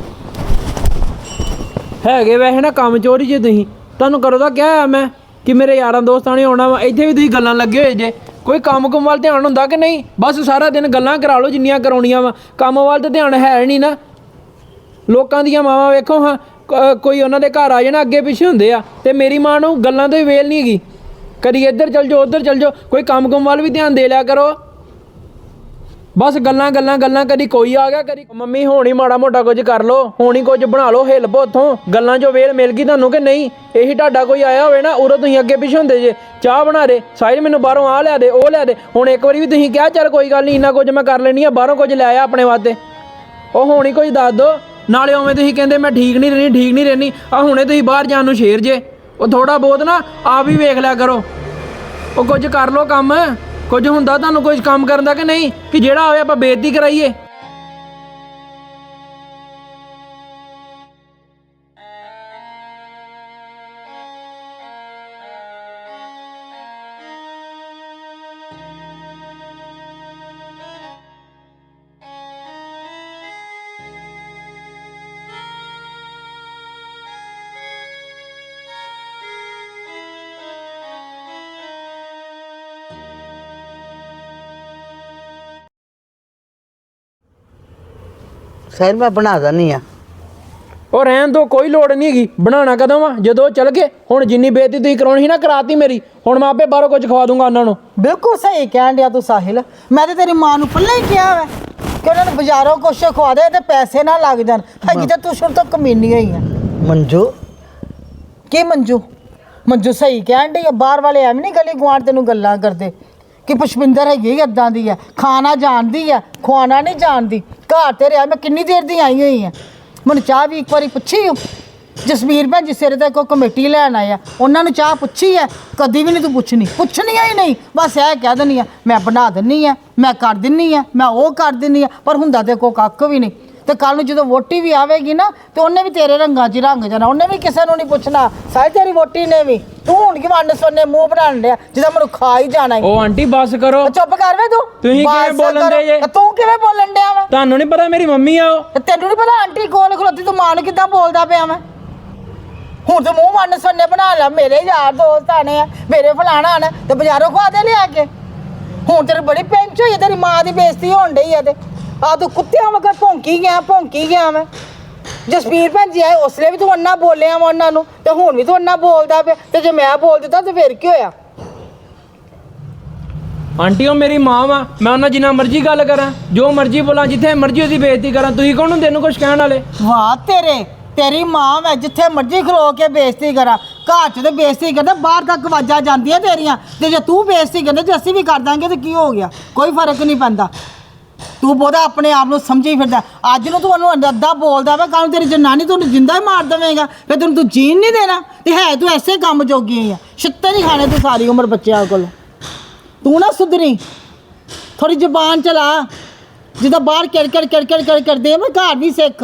S2: ਹੈਗੇ ਵੈਸੇ ਨਾ ਕੰਮ ਚੋਰੀ ਜੇ ਤੁਸੀਂ ਤੁਹਾਨੂੰ ਕਰੋ ਤਾਂ ਕਿਹਾ ਆ ਮੈਂ ਕਿ ਮੇਰੇ ਯਾਰਾਂ ਦੋਸਤਾਂ ਨੇ ਆਉਣਾ ਵਾ। ਇੱਥੇ ਵੀ ਤੁਸੀਂ ਗੱਲਾਂ ਲੱਗੇ ਹੋਏ ਜੇ। ਕੋਈ ਕੰਮ ਕੁਮ ਵੱਲ ਧਿਆਨ ਹੁੰਦਾ ਕਿ ਨਹੀਂ? ਬਸ ਸਾਰਾ ਦਿਨ ਗੱਲਾਂ ਕਰਾ ਲਓ ਜਿੰਨੀਆਂ ਕਰਾਉਣੀਆਂ ਵਾ, ਕੰਮ ਵੱਲ ਤਾਂ ਧਿਆਨ ਹੈ ਨਹੀਂ ਨਾ। ਲੋਕਾਂ ਦੀਆਂ ਮਾਵਾਂ ਵੇਖੋ ਹਾਂ, ਕ- ਕੋਈ ਉਹਨਾਂ ਦੇ ਘਰ ਆ ਜਾਣਾ ਅੱਗੇ ਪਿੱਛੇ ਹੁੰਦੇ ਆ, ਤੇ ਮੇਰੀ ਮਾਂ ਨੂੰ ਗੱਲਾਂ ਤੋਂ ਹੀ ਵੇਲ ਨਹੀਂ ਹੈਗੀ। ਕਦੀ ਇੱਧਰ ਚਲ ਜਾਓ ਉੱਧਰ ਚਲ ਜਾਓ, ਕੋਈ ਕੰਮ ਕੁਮ ਵੱਲ ਵੀ ਧਿਆਨ ਦੇ ਲਿਆ ਕਰੋ। ਬਸ ਗੱਲਾਂ ਗੱਲਾਂ ਗੱਲਾਂ, ਕਦੀ ਕੋਈ ਆ ਗਿਆ ਕਦੀ ਮੰਮੀ ਹੋਣੀ ਮਾੜਾ ਮੋਟਾ ਕੁਝ ਕਰ ਲੋ, ਹੋਣੀ ਕੁਝ ਬਣਾ ਲਓ, ਹਿੱਲ ਪੋ ਉੱਥੋਂ। ਗੱਲਾਂ 'ਚੋਂ ਵੇਲ ਮਿਲ ਗਈ ਤੁਹਾਨੂੰ ਕਿ ਨਹੀਂ? ਇਹੀ ਤੁਹਾਡਾ ਕੋਈ ਆਇਆ ਹੋਵੇ ਨਾ, ਉਦੋਂ ਤੁਸੀਂ ਅੱਗੇ ਪਿੱਛੇ ਹੁੰਦੇ ਜੇ, ਚਾਹ ਬਣਾ ਦੇ ਸਾਹਿਲ ਮੈਨੂੰ ਬਾਹਰੋਂ ਆ ਲਿਆ ਦੇ, ਉਹ ਲਿਆ ਦੇ। ਹੁਣ ਇੱਕ ਵਾਰੀ ਵੀ ਤੁਸੀਂ ਕਿਹਾ ਚੱਲ ਕੋਈ ਗੱਲ ਨਹੀਂ ਇੰਨਾ ਕੁਝ ਮੈਂ ਕਰ ਲੈਣੀ ਆ, ਬਾਹਰੋਂ ਕੁਝ ਲੈ ਆ ਆਪਣੇ ਵਾਸਤੇ। ਉਹ ਹੋਣੀ ਕੁਝ ਦੱਸ ਦੋ। ਨਾਲੇ ਉਵੇਂ ਤੁਸੀਂ ਕਹਿੰਦੇ ਮੈਂ ਠੀਕ ਨਹੀਂ ਰਹਿਣੀ ਠੀਕ ਨਹੀਂ ਰਹਿਣੀ, ਆ ਹੁਣੇ ਤੁਸੀਂ ਬਾਹਰ ਜਾਣ ਨੂੰ ਸ਼ੇਰ ਜੇ। ਉਹ ਥੋੜਾ ਬਹੁਤ ਨਾ ਆਪ ਵੀ ਵੇਖ ਲਿਆ ਕਰੋ, ਉਹ ਕੁਝ ਕਰ ਲੋ ਕੰਮ। ਕੁਝ ਹੁੰਦਾ ਤੁਹਾਨੂੰ ਕੁਝ ਕੰਮ ਕਰਨ ਦਾ ਕਿ ਨਹੀਂ, ਕਿ ਜਿਹੜਾ ਹੋਵੇ ਆਪਾਂ ਬੇਇੱਜ਼ਤੀ ਕਰਾਈਏ?
S1: ਸਾਹਿਲ ਮੈਂ ਬਣਾ ਦਿੰਦੀ ਆ।
S2: ਉਹ ਰਹਿਣ ਤੋਂ ਕੋਈ ਲੋੜ ਨਹੀਂ ਹੈਗੀ, ਬਣਾਉਣਾ ਕਦੋਂ ਆ? ਜਦੋਂ ਚੱਲ ਗਏ। ਹੁਣ ਜਿੰਨੀ ਬੇਇੱਜ਼ਤੀ ਤੁਸੀਂ ਕਰਾਉਣੀ ਸੀ ਨਾ ਕਰਾਤੀ ਮੇਰੀ, ਹੁਣ ਮੈਂ ਆਪੇ ਬਾਹਰੋਂ ਕੁਝ ਖਵਾ ਦੂੰਗਾ ਉਹਨਾਂ ਨੂੰ।
S4: ਬਿਲਕੁਲ ਸਹੀ ਕਹਿਣ ਡਿਆ ਤੂੰ ਸਾਹਿਲ। ਮੈਂ ਤੇ ਤੇਰੀ ਮਾਂ ਨੂੰ ਪਹਿਲਾਂ ਹੀ ਕਿਹਾ ਵਾ ਕਿ ਉਹਨਾਂ ਨੂੰ ਬਾਜ਼ਾਰੋਂ ਕੁਛ ਖਵਾ ਦੇ ਤੇ ਪੈਸੇ ਨਾ ਲੱਗ ਜਾਣ। ਹੈਗੀ ਤਾਂ ਤੂੰ ਸ਼ੁਰੂ ਤੋਂ ਕਮੀਨੀ ਹੋਈ ਆ।
S1: ਮੰਜੂ
S4: ਕੀ ਮੰਜੂ? ਮੰਜੂ ਸਹੀ ਕਹਿਣ ਡਈ ਆ। ਬਾਹਰ ਵਾਲੇ ਐਵੇਂ ਨਹੀਂ ਗਲੀ ਗੁਆਂਢ ਤੈਨੂੰ ਗੱਲਾਂ ਕਰਦੇ ਕਿ ਪੁਸ਼ਪਿੰਦਰ ਹੈਗੀ ਇੱਦਾਂ ਦੀ ਆ, ਖਾਣਾ ਜਾਣਦੀ ਆ, ਖਵਾਉਣਾ ਨਹੀਂ ਜਾਣਦੀ। ਘਰ ਤੇ ਰਿਹਾ ਮੈਂ ਕਿੰਨੀ ਦੇਰ ਦੀ ਆਈ ਹੋਈ ਆ। ਮੈਨੂੰ ਚਾਹ ਵੀ ਇੱਕ ਵਾਰੀ ਪੁੱਛੀ ਹੋ? ਜਸਵੀਰ ਭੈਣ ਜੀ ਸਿਰ ਤੇ ਕੋਈ ਕਮੇਟੀ ਲੈਣ ਆਇਆ, ਉਹਨਾਂ ਨੂੰ ਚਾਹ ਪੁੱਛੀ ਹੈ? ਕਦੀ ਵੀ ਨਹੀਂ ਤੂੰ ਪੁੱਛਣੀ, ਪੁੱਛਣੀਆਂ ਹੀ ਨਹੀਂ। ਬਸ ਇਹ ਕਹਿ ਦਿੰਦੀ ਆ ਮੈਂ ਬਣਾ ਦਿੰਨੀ ਆ, ਮੈਂ ਕਰ ਦਿੰਨੀ ਆ, ਮੈਂ ਉਹ ਕਰ ਦਿੰਨੀ ਆ, ਪਰ ਹੁੰਦਾ ਤੇ ਕੋਈ ਕੱਖ ਵੀ ਨਹੀਂ। ਤੇ ਕੱਲ ਨੂੰ ਜਦੋਂ ਵੋਟੀ ਵੀ ਆਵੇਗੀ ਨਾ ਤੇ ਉਹਨੇ ਵੀ ਤੇਰੇ ਰੰਗਾਂ 'ਚ ਹੀ ਰੰਗ ਜਾਣਾ, ਉਹਨੇ ਵੀ ਕਿਸੇ ਨੂੰ ਨਹੀਂ ਪੁੱਛਣਾ। ਸਾਰੀ ਤੇਰੀ ਵੋਟੀ ਨੇ ਵੀ। ਤੂੰ ਹੁਣ ਕੀ ਵੰਡ ਸੋਨੇ ਮੂੰਹ ਬਣਾਉਣ ਡਿਆ ਜਿਹਦਾ ਮੈਨੂੰ ਖਾ ਹੀ ਜਾਣਾ ਈ।
S2: ਉਹ ਆਂਟੀ ਬਸ ਕਰੋ,
S4: ਚੁੱਪ ਕਰ ਵੇ ਤੂੰ।
S2: ਤੁਸੀਂ
S4: ਬਸ
S2: ਕਿਵੇਂ ਬੋਲਣ
S4: ਕਰੋ।
S2: ਦੇ ਜੇ?
S4: ਤੇ ਤੂੰ ਕਿਵੇਂ ਬੋਲਣ ਡਿਆ ਵਾ?
S2: ਤੁਹਾਨੂੰ ਨਹੀਂ ਪਤਾ ਮੇਰੀ ਮੰਮੀ ਆ ਉਹ?
S4: ਤੇ ਤੈਨੂੰ ਨਹੀਂ ਪਤਾ ਆਂਟੀ ਕੋਲ ਖਲੋਤੀ ਤੂੰ ਮਾਂ ਨੂੰ ਕਿੱਦਾਂ ਬੋਲਦਾ ਪਿਆ ਮੈਂ? ਹੁਣ ਤੂੰ ਮੂੰਹ ਵੰਡ ਸੋਨੇ ਬਣਾ ਲੈ। ਮੇਰੇ ਯਾਰ ਦੋਸਤ ਆਣੇ ਆ, ਮੇਰੇ ਫਲਾਣਾ ਆਣਾ ਤੇ ਬਾਜ਼ਾਰੋਂ ਖਵਾ ਦੇ ਲਿਆ ਕੇ। ਹੁਣ ਤੇਰੀ ਬੜੀ ਪੈਂਚ ਹੋਈ ਹੈ, ਤੇਰੀ ਮਾਂ ਦੀ ਬੇਇੱਜ਼ਤੀ ਹੋਣ ਡਈ ਆ। ਤੇ ਆ ਤੂੰ ਕੁੱਤਿਆਂ ਵਗਰ ਭੌਂਕੀ ਗਿਆ ਭੌਂਕੀ ਗਿਆ ਮੈਂ। ਜਸਵੀਰ ਭੈਣ ਜੀ ਆਏ ਉਸਲੇ ਵੀ ਤੂੰ ਅੰਨਾ ਬੋਲਿਆ ਵਾ ਉਹਨਾਂ ਨੂੰ, ਤੇ ਹੁਣ ਵੀ ਤੂੰ ਅੰਨਾ ਬੋਲਦਾ ਪਿਆ। ਤੇ ਜੇ ਮੈਂ ਬੋਲ ਦਿੱਤਾ ਤੇ ਫਿਰ ਕੀ ਹੋਇਆ?
S2: ਆਂਟੀ ਉਹ ਮੇਰੀ ਮਾਂ ਵਾ, ਮੈਂ ਉਹਨਾਂ ਜਿੰਨਾ ਮਰਜ਼ੀ ਗੱਲ ਕਰਾਂ, ਜੋ ਮਰਜ਼ੀ ਬੋਲਾਂ, ਜਿੱਥੇ ਮਰਜ਼ੀ ਉਹਦੀ ਬੇਇੱਜ਼ਤੀ ਕਰਾਂ। ਤੁਸੀਂ ਕੌਣ ਹੁੰਦੇ ਨੂੰ ਕੁਝ ਕਹਿਣ ਵਾਲੇ?
S4: ਵਾਹ ਤੇਰੇ, ਤੇਰੀ ਮਾਂ ਮੈਂ ਜਿੱਥੇ ਮਰਜ਼ੀ ਖਲੋ ਕੇ ਬੇਇੱਜ਼ਤੀ ਕਰਾਂ। ਘਰ 'ਚ ਤੇ ਬੇਇੱਜ਼ਤੀ ਕਰਦਾ, ਬਾਹਰ ਤੱਕ ਆਵਾਜ਼ਾਂ ਜਾਂਦੀਆਂ ਤੇਰੀਆਂ। ਤੇ ਜੇ ਤੂੰ ਬੇਇੱਜ਼ਤੀ ਕਰਦੇ ਜੇ ਅਸੀਂ ਵੀ ਕਰ ਦਾਂਗੇ ਤੇ ਕੀ ਹੋ ਗਿਆ? ਕੋਈ ਫਰਕ ਨਹੀਂ ਪੈਂਦਾ। ਤੂੰ ਬਹੁਤਾ ਆਪਣੇ ਆਪ ਨੂੰ ਸਮਝੀ ਫਿਰਦਾ। ਅੱਜ ਨੂੰ ਤੂੰ ਉਹਨੂੰ ਅੱਧਾ ਬੋਲਦਾ ਵਾ, ਕੱਲ੍ਹ ਨੂੰ ਤੇਰੀ ਜਨਾਨੀ ਤੁਹਾਨੂੰ ਜਿੰਦਾ ਹੀ ਮਾਰ ਦੇਵੇਗਾ। ਫਿਰ ਤੈਨੂੰ ਤੂੰ ਜੀਣ ਨਹੀਂ ਦੇਣਾ। ਤੇ ਹੈ ਤੂੰ ਐਸੇ ਕੰਮ ਜੋਗੀ ਆ, ਛਿੱਤੇ ਨਹੀਂ ਖਾਣੇ ਤੂੰ ਸਾਰੀ ਉਮਰ ਬੱਚਿਆਂ ਕੋਲ। ਤੂੰ ਨਾ ਸੁਧਰੀ, ਥੋੜੀ ਜ਼ੁਬਾਨ ਚਲਾ। ਜਿੱਦਾਂ ਬਾਹਰ ਕਿੜਕੜ ਕਿੜਕੜ ਕਿੜ ਕਰਦੇ ਮੈਂ ਘਰ ਵੀ ਸਿੱਖ।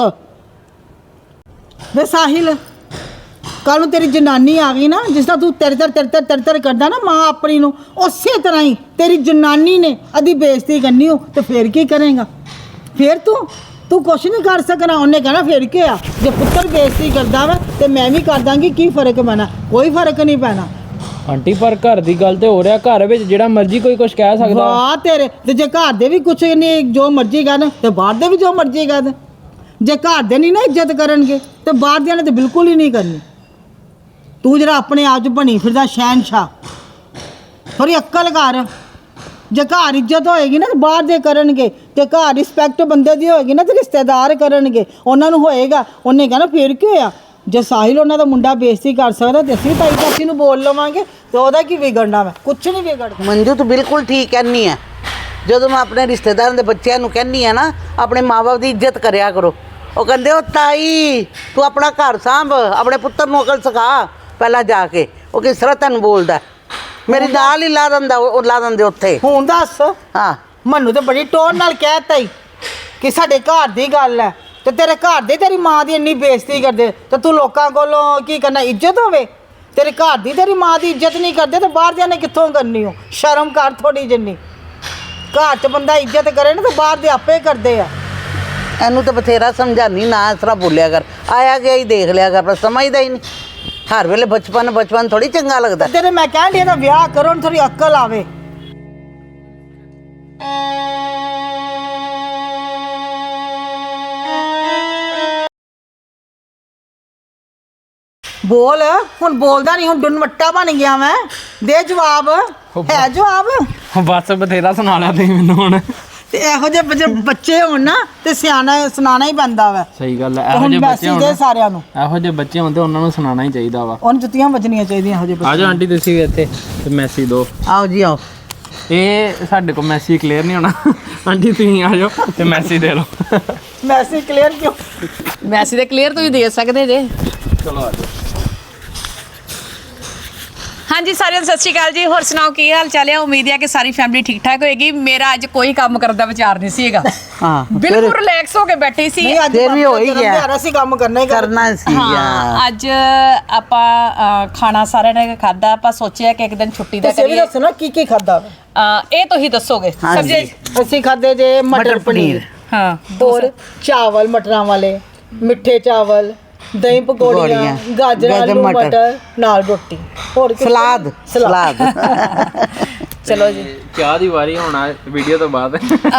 S4: ਵੇ ਸਾਹਿਲ, ਕੱਲ੍ਹ ਨੂੰ ਤੇਰੀ ਜਨਾਨੀ ਆ ਗਈ ਨਾ, ਜਿਸ ਤਰ੍ਹਾਂ ਤੂੰ ਤੇਰੇ ਤਰ ਤੇਰੇ ਤਰ ਤੇਰੇ ਤਰ ਕਰਦਾ ਨਾ ਮਾਂ ਆਪਣੀ ਨੂੰ, ਉਸੇ ਤਰ੍ਹਾਂ ਹੀ ਤੇਰੀ ਜਨਾਨੀ ਨੇ ਅਦੀ ਬੇਇੱਜ਼ਤੀ ਕਰਨੀ ਹੋ। ਤੇ ਫਿਰ ਕੀ ਕਰੇਗਾ? ਫਿਰ ਤੂੰ ਤੂੰ ਕੁਛ ਨਹੀਂ ਕਰ ਸਕਣਾ। ਉਹਨੇ ਕਹਿਣਾ ਫਿਰ ਕੀ ਆ, ਜੇ ਪੁੱਤਰ ਬੇਇੱਜ਼ਤੀ ਕਰਦਾ ਵਾ ਤੇ ਮੈਂ ਵੀ ਕਰ ਦਾਂਗੀ, ਕੀ ਫਰਕ ਪੈਣਾ? ਕੋਈ ਫਰਕ ਨਹੀਂ ਪੈਣਾ।
S2: ਆਂਟੀ ਪਰ ਘਰ ਦੀ ਗੱਲ ਤੇ ਹੋ ਰਿਹਾ, ਘਰ ਵਿੱਚ ਜਿਹੜਾ ਮਰਜ਼ੀ ਕੋਈ ਕੁਝ ਕਹਿ ਸਕਦਾ।
S4: ਵਾਹ ਤੇਰੇ, ਤੇ ਜੇ ਘਰ ਦੇ ਵੀ ਕੁਛ ਨਹੀਂ ਜੋ ਮਰਜ਼ੀ ਕਰਨ ਤੇ ਬਾਹਰ ਦੇ ਵੀ ਜੋ ਮਰਜ਼ੀ ਕਰਨ। ਜੇ ਘਰ ਦੇ ਨਹੀਂ ਨਾ ਇੱਜ਼ਤ ਕਰਨਗੇ ਤੇ ਬਾਹਰ ਦਿਆਂ ਨੇ ਤੇ ਬਿਲਕੁਲ ਹੀ ਨਹੀਂ ਕਰਨੀ। ਤੂੰ ਜਿਹੜਾ ਆਪਣੇ ਆਪ 'ਚ ਬਣੀ ਫਿਰਦਾ ਸ਼ਹਿਨਸ਼ਾਹ, ਥੋੜੀ ਅਕਲ ਕਰ। ਜੇ ਘਰ ਇੱਜ਼ਤ ਹੋਏਗੀ ਨਾ ਤੇ ਬਾਹਰ ਦੇ ਕਰਨਗੇ, ਤੇ ਘਰ ਰਿਸਪੈਕਟ ਬੰਦੇ ਦੀ ਹੋਏਗੀ ਨਾ ਤੇ ਰਿਸ਼ਤੇਦਾਰ ਕਰਨਗੇ, ਉਹਨਾਂ ਨੂੰ ਹੋਏਗਾ। ਉਹਨੇ ਕਹਿਣਾ ਫਿਰ ਕੀ ਹੋਇਆ? ਜੇ ਸਾਹਿਲ ਉਹਨਾਂ ਦਾ ਮੁੰਡਾ ਬੇਇੱਜ਼ਤੀ ਕਰ ਸਕਦਾ ਤੇ ਅਸੀਂ ਤਾਈ ਚਾਚੀ ਨੂੰ ਬੋਲ ਲਵਾਂਗੇ, ਤੇ ਉਹਦਾ ਕੀ ਵਿਗੜਨਾ? ਮੈਂ ਕੁਛ ਨਹੀਂ ਵਿਗੜਦਾ।
S1: ਮੰਜੂ ਤੂੰ ਬਿਲਕੁਲ ਠੀਕ ਕਹਿੰਦੀ ਆ। ਜਦੋਂ ਮੈਂ ਆਪਣੇ ਰਿਸ਼ਤੇਦਾਰਾਂ ਦੇ ਬੱਚਿਆਂ ਨੂੰ ਕਹਿੰਦੀ ਆ ਨਾ, ਆਪਣੇ ਮਾਂ-ਬਾਪ ਦੀ ਇੱਜ਼ਤ ਕਰਿਆ ਕਰੋ। ਉਹ ਕਹਿੰਦੇ ਉਹ ਤਾਈ ਤੂੰ ਆਪਣਾ ਘਰ ਸਾਂਭ, ਆਪਣੇ ਪੁੱਤਰ ਨੂੰ ਅਕਲ ਸਿਖਾ ਪਹਿਲਾਂ ਜਾ ਕੇ। ਉਹ ਕਿਸ ਤਰ੍ਹਾਂ ਤੈਨੂੰ ਬੋਲਦਾ, ਮੇਰੀ ਨਾਲ ਹੀ ਲਾ ਦਿੰਦਾ, ਉਹ ਲਾ ਦਿੰਦੇ ਉੱਥੇ।
S4: ਹੁਣ ਦੱਸ,
S1: ਹਾਂ
S4: ਮੈਨੂੰ ਤੇ ਬੜੀ ਟੋਨ ਨਾਲ ਕਹਿਤਾ ਹੀ ਕਿ ਸਾਡੇ ਘਰ ਦੀ ਗੱਲ ਹੈ, ਤੇ ਤੇਰੇ ਘਰ ਦੇ ਤੇਰੀ ਮਾਂ ਦੀ ਇੰਨੀ ਬੇਇੱਜ਼ਤੀ ਕਰਦੇ ਤੇ ਤੂੰ ਲੋਕਾਂ ਕੋਲੋਂ ਕੀ ਕਰਨਾ? ਇੱਜ਼ਤ ਹੋਵੇ। ਤੇਰੇ ਘਰ ਦੀ ਤੇਰੀ ਮਾਂ ਦੀ ਇੱਜ਼ਤ ਨਹੀਂ ਕਰਦੇ ਤੇ ਬਾਹਰ ਦਿਆਂ ਨੇ ਕਿੱਥੋਂ ਕਰਨੀ? ਹੋ ਸ਼ਰਮ ਕਰ ਥੋੜੀ ਜਿੰਨੀ। ਘਰ 'ਚ ਬੰਦਾ ਇੱਜ਼ਤ ਕਰੇ ਨਾ ਤੇ ਬਾਹਰ ਦੇ ਆਪੇ ਕਰਦੇ ਆ।
S1: ਇਹਨੂੰ ਤਾਂ ਬਥੇਰਾ ਸਮਝਾਨੀ, ਨਾ ਇਸ ਤਰ੍ਹਾਂ ਬੋਲਿਆ ਕਰ, ਆਇਆ ਗਿਆ ਹੀ ਦੇਖ ਲਿਆ ਕਰ, ਪਰ ਸਮਝਦਾ ਹੀ ਨਹੀਂ। ਹਰ ਵੇਲੇ ਬਚਪਨ ਬਚਪਨ ਥੋੜੀ ਚੰਗਾ ਲੱਗਦਾ।
S4: ਤੇਰੇ ਮੈਂ ਕਹਿਣ ਡਈ ਇਹਦਾ ਵਿਆਹ ਕਰੋ, ਥੋੜੀ ਅਕਲ ਆਵੇ। ਬੋਲ, ਹੁਣ ਬੋਲਦਾ ਨਹੀਂ, ਹੁਣ ਡੁੰਨਵੱਟਾ ਬਣ ਗਿਆ ਮੈਂ। ਦੇ ਜਵਾਬ, ਹੈ ਜਵਾਬ?
S2: ਬਸ ਬਥੇਰਾ ਸੁਣਾ ਲਿਆ ਤੁਸੀਂ ਮੈਨੂੰ ਹੁਣ।
S4: ਤੇ ਇਹੋ ਜਿਹੇ ਬੱਚੇ ਬੱਚੇ ਹੋਣ ਨਾ ਤੇ ਸਿਆਣਾ ਸੁਣਾਣਾ ਹੀ ਪੈਂਦਾ ਵਾ।
S2: ਸਹੀ ਗੱਲ
S4: ਤੇ
S2: ਹੈ, ਇਹੋ
S4: ਹੁਣ
S2: ਜਿਹੇ ਬੱਚੇ
S4: ਮੈਸੇਜ
S2: ਹੋਣ
S4: ਦੇ ਸਾਰਿਆਂ ਨੂੰ,
S2: ਇਹੋ ਜਿਹੇ ਬੱਚੇ ਹੁੰਦੇ ਉਹਨਾਂ ਨੂੰ ਸੁਣਾਉਣਾ ਹੀ ਚਾਹੀਦਾ ਵਾ।
S4: ਉਹਨੂੰ ਜੁੱਤੀਆਂ ਵੱਜਣੀਆਂ ਚਾਹੀਦੀਆਂ ਇਹੋ ਜਿਹੇ
S2: ਆ
S4: ਬੱਚੇ।
S2: ਜਾਓ ਆਂਟੀ ਤੁਸੀਂ ਵੀ ਇੱਥੇ ਤੇ ਮੈਸੇਜ ਦਿਓ।
S1: ਆਓ ਜੀ ਆਓ।
S2: ਇਹ ਸਾਡੇ ਕੋਲ ਮੈਸੇਜ ਕਲੀਅਰ ਨਹੀਂ ਹੋਣਾ, ਆਂਟੀ ਤੁਸੀਂ ਆ ਜਾਓ ਤੇ ਮੈਸੇਜ ਦੇ ਲਓ।
S4: ਮੈਸੇਜ ਕਲੀਅਰ ਕਿਉਂ?
S3: ਮੈਸੇਜ ਤੇ ਕਲੀਅਰ ਤੁਸੀਂ ਦੇ ਸਕਦੇ ਜੇ।
S2: ਚਲੋ ਆ ਜਾਓ।
S3: ਹਾਂਜੀ ਸਾਰਿਆਂ ਨੂੰ ਸਤਿ ਸ਼੍ਰੀ ਅਕਾਲ ਜੀ। ਹੋਰ ਸੁਣਾਓ ਕੀ ਹਾਲ ਚਾਲ ਹੈ? ਉਮੀਦ ਹੈ ਕਿ ਸਾਰੀ ਫੈਮਿਲੀ ਠੀਕ ਠਾਕ ਹੋਏਗੀ। ਮੇਰਾ ਅੱਜ ਕੋਈ ਕੰਮ ਕਰਨ ਦਾ ਵਿਚਾਰ ਨਹੀਂ ਸੀਗਾ,
S1: ਹਾਂ
S3: ਬਿਲਕੁਲ ਰਿਲੈਕਸ ਹੋ ਕੇ ਬੈਠੀ ਸੀ।
S4: ਨਹੀਂ ਅੱਜ
S1: ਫਿਰ ਵੀ ਹੋ ਹੀ ਗਿਆ।
S4: ਪਿਆਰਾ ਸੀ, ਕੰਮ ਕਰਨਾ ਹੀ ਕਰਨਾ।
S1: ਕਰਨਾ ਸੀ ਯਾਰ।
S3: ਹਾਂ ਅੱਜ ਆਪਾਂ ਅ, ਖਾਣਾ ਸਾਰਿਆਂ ਨੇ ਖਾਦਾ। ਆਪਾਂ ਸੋਚਿਆ ਕਿ ਇੱਕ ਦਿਨ ਛੁੱਟੀ ਦਾ
S4: ਤੁਸੀਂ ਵੀ
S3: ਕਰੀਏ।
S4: ਦੱਸੋ ਨਾ ਕੀ ਕੀ ਖਾਦਾ?
S3: ਅ, ਇਹ ਤੁਸੀਂ ਦੱਸੋਗੇ।
S1: ਹਾਂਜੀ।
S3: ਸਬਜ਼ੀ
S4: ਅਸੀਂ ਖਾਦੇ ਜੇ ਮਟਰ ਪਨੀਰ,
S3: ਹਾਂ
S4: ਹੋਰ ਚਾਵਲ ਮਟਰਾਂ ਵਾਲੇ, ਮਿੱਠੇ ਚਾਵਲ, ਦਹੀਂ ਪਕੌੜੀਆਂ,
S1: ਪਕੌੜੀਆਂ,
S4: ਗਾਜਰਾਂ
S1: ਗਾਜਰ
S4: ਆਲੂ
S1: ਮਟਰ,
S4: ਮਟਰ ਨਾਲ ਰੋਟੀ, ਹੋਰ ਕੁਛ
S1: ਸਲਾਦ
S4: ਨਹੀਂ।
S1: ਸਲਾਦ।
S3: ਚਲੋ ਜੀ।
S2: ਚਾਹ ਦੀ ਵਾਰੀ ਹੋਣਾ ਵੀਡੀਓ ਤੋਂ ਬਾਅਦ।